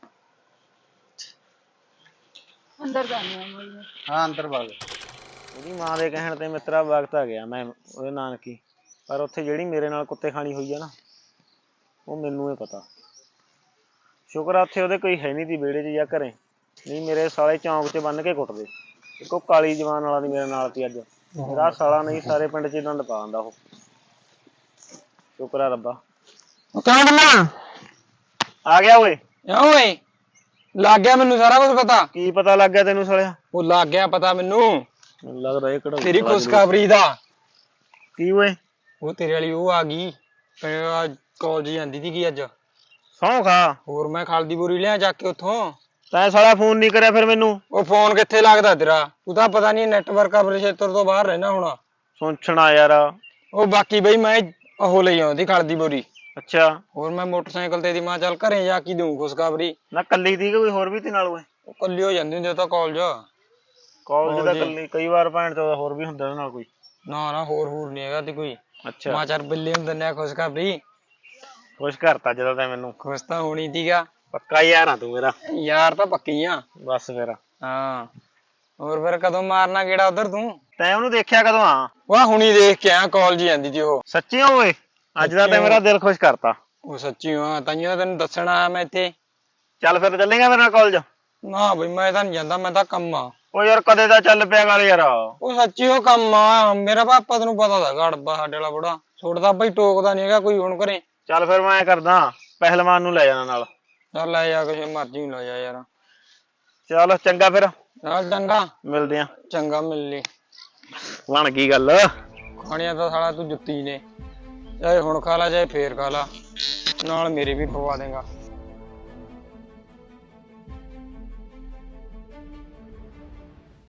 ਅੰਦਰ ਜਾਣੀ ਆ ਮਾਮਾ ਜੀ। ਹਾਂ ਅੰਦਰ ਵਗ। ਉਹਦੀ ਮਾਂ ਦੇ ਕਹਿਣ ਤੇ ਮਿੱਤਰਾ ਵਕਤ ਆ ਗਿਆ ਮੈਂ ਉਹਦੇ ਨਾਨਕੀ, ਪਰ ਉੱਥੇ ਜਿਹੜੀ ਮੇਰੇ ਨਾਲ ਕੁੱਤੇ ਖਾਣੀ ਹੋਈ ਆ ਨਾ, ਉਹ ਮੈਨੂੰ ਹੀ ਪਤਾ। ਸ਼ੁਕਰ ਆ ਉੱਥੇ ਉਹਦੇ ਕੋਈ ਹੈ ਨਹੀਂ ਤੀ ਵਿਹੜੇ 'ਚ ਜਾਂ ਘਰੇ, ਨਹੀਂ ਮੇਰੇ ਸਾਲੇ ਚੌਂਕ 'ਚ ਬੰਨ ਕੇ ਕੁੱਟਦੇ। ਇੱਕੋ ਕਾਲੀ ਜਵਾਨ ਵਾਲਾ ਦੀ ਮੇਰੇ ਨਾਲ ਤੀ ਅੱਜ, ਮੇਰਾ ਸਾਲਾ ਨਹੀਂ ਸਾਰੇ ਪਿੰਡ 'ਚ ਡੰਡ ਪਾ ਦਿੰਦਾ ਉਹ। ਸ਼ੁਕਰ ਆ ਰੱਬਾ। ਕਿਉਂ ਬੰਨਾ ਆ ਗਿਆ ਓਏ। ਓਏ ਲੱਗ ਗਿਆ ਮੈਨੂੰ ਸਾਰਾ ਕੁਝ ਪਤਾ। ਕੀ ਪਤਾ ਲੱਗ ਗਿਆ ਤੈਨੂੰ ਸਾਲਿਆ? ਉਹ ਲੱਗ ਗਿਆ ਪਤਾ ਮੈਨੂੰ ਲੱਗਦਾ ਇਹ ਕਿਹੜਾ ਤੇਰੀ ਖੁਸ਼ਖਬਰੀ ਦਾ। ਕੀ ਓਏ? ਉਹ ਤੇਰੇ ਵਾਲੀ ਉਹ ਆ ਗਈ ਕਾਲਜ ਜਾਂਦੀ ਸੀ ਕੀ ਅੱਜ। ਸੌਂ ਖਾ। ਹੋਰ ਮੈਂ ਖਲਦੀ ਬੋਰੀ ਲਿਆ ਚੱਕ ਕੇ ਉੱਥੋਂ। ਤੈਂ ਸਾਲਾ ਫੋਨ ਨਹੀਂ ਕਰਿਆ ਫਿਰ ਮੈਨੂੰ? ਉਹ ਫੋਨ ਕਿੱਥੇ ਲੱਗਦਾ ਤੇਰਾ, ਤੂੰ ਤਾਂ ਪਤਾ ਨਹੀਂ ਨੈਟਵਰਕ ਕਵਰੇਜ ਖੇਤਰ ਤੋਂ ਬਾਹਰ ਰਹਿਣਾ ਹੁਣ। ਸੁਣਛਣਾ ਯਾਰ। ਉਹ ਬਾਕੀ ਬਈ ਮੈਂ ਉਹ ਲਈ ਆਉਂਦੀ ਖਲਦੀ ਬੋਰੀ। ਅੱਛਾ। ਹੋਰ ਮੈਂ ਮੋਟਰਸਾਈਕਲ ਤੇ ਦੀ ਮਾਂ ਚੱਲ ਘਰੇ ਜਾ ਕੇ ਦਊਂ ਖੁਸ਼ਖਬਰੀ। ਨਾ ਕੱਲੀ ਦੀ ਕੋਈ ਹੋਰ ਵੀ ਤੇ ਨਾਲ ਓਏ? ਉਹ ਕੱਲੀ ਹੋ ਜਾਂਦੀ ਹੁੰਦੀ ਤਾਂ ਕਾਲਜ ਕਾਲਜ ਦਾ ਕੱਲੀ ਕਈ ਵਾਰ ਭੈਣ ਚੋਦ ਹੋਰ ਵੀ ਹੁੰਦਾ ਉਹਦੇ ਨਾਲ ਕੋਈ। ਨਾ ਹੋਰ ਨਹੀਂ ਹੈਗਾ ਤੇ ਕੋਈ। ਅੱਛਾ। ਮਾਂ ਚੱਲ ਬਿੱਲੇ ਨੂੰ ਦਿੰਦੇ ਆ ਖੁਸ਼ਖਬਰੀ। ਖੁਸ਼ ਕਰਤਾ ਜਦੋਂ ਤੈਂ ਮੈਨੂੰ। ਖੁਸ਼ ਤਾਂ ਹੋਣੀ ਸੀਗਾ, ਪੱਕਾ ਯਾਰ ਆ ਤੂੰ ਮੇਰਾ। ਯਾਰ ਤਾਂ ਪੱਕੀ ਆ। ਬਸ ਫਿਰ ਹਾਂ ਹੋਰ ਫਿਰ ਕਦੋਂ ਮਾਰਨਾ ਗੇੜਾ ਉਧਰ ਤੂੰ? ਤੈਂ ਉਹਨੂੰ ਦੇਖਿਆ ਕਦੋਂ ਆ? ਵਾਹ ਹੁਣੀ ਦੇਖ ਕੇ ਆਇਆ, ਕਾਲਜ ਜਾਂਦੀ ਸੀ ਉਹ। ਸੱਚੀ ਓਏ? ਅੱਜ ਦਾ ਤੈਂ ਮੇਰਾ ਦਿਲ ਖੁਸ਼ ਕਰਤਾ। ਉਹ ਸੱਚੀ ਆ, ਤਾਈਓ ਤੈਨੂੰ ਦੱਸਣ ਆਇਆ ਮੈਂ ਇੱਥੇ। ਚੱਲ ਫਿਰ ਚੱਲੇਗਾ ਮੇਰੇ ਨਾਲ ਕਾਲਜ? ਨਾ ਬਈ ਮੈਂ ਤਾਂ ਨਹੀਂ ਜਾਂਦਾ, ਮੈਂ ਤਾਂ ਕੰਮ ਆ। ਓ ਯਾਰ ਕਦੇ ਦਾ ਚੱਲ ਪਿਆ ਗੱਲ ਯਾਰ। ਉਹ ਸੱਚੀ ਉਹ ਕੰਮ ਆ ਮੇਰਾ। ਪਾਪਾ ਤੈਨੂੰ ਪਤਾ ਦਾ ਗੜਬਾ ਸਾਡੇ ਵਾਲਾ ਬੁੜਾ ਛੋੜਦਾ ਬਈ, ਟੋਕਦਾ ਨਹੀਂ ਹੈਗਾ ਕੋਈ ਹੁਣ ਘਰੇ। ਚੱਲ ਫਿਰ ਮੈਂ ਕਰਦਾ, ਪਹਿਲਵਾਨ ਨੂੰ ਲੈ ਜਾਣਾ ਨਾਲ। ਚੱਲ ਲੈ ਜਾ ਕਿਸੇ ਮਰਜ਼ੀ ਨੂੰ ਲੈ ਜਾ ਯਾਰ। ਚੱਲ ਚੰਗਾ ਫਿਰ। ਚੱਲ ਚੰਗਾ ਮਿਲਦੇ ਆ। ਚੰਗਾ ਮਿਲ ਲਈ। ਬਣ ਗਈ ਗੱਲ। ਖਾਣੀਆਂ ਤਾਂ ਸਾਲਾ ਤੂੰ ਜੁੱਤੀ ਨੇ, ਚਾਹੇ ਹੁਣ ਖਾ ਲਾ ਚਾਹੇ ਫੇਰ ਖਾ ਲਾ, ਨਾਲ ਮੇਰੇ ਵੀ ਪਵਾ ਦੇਗਾ।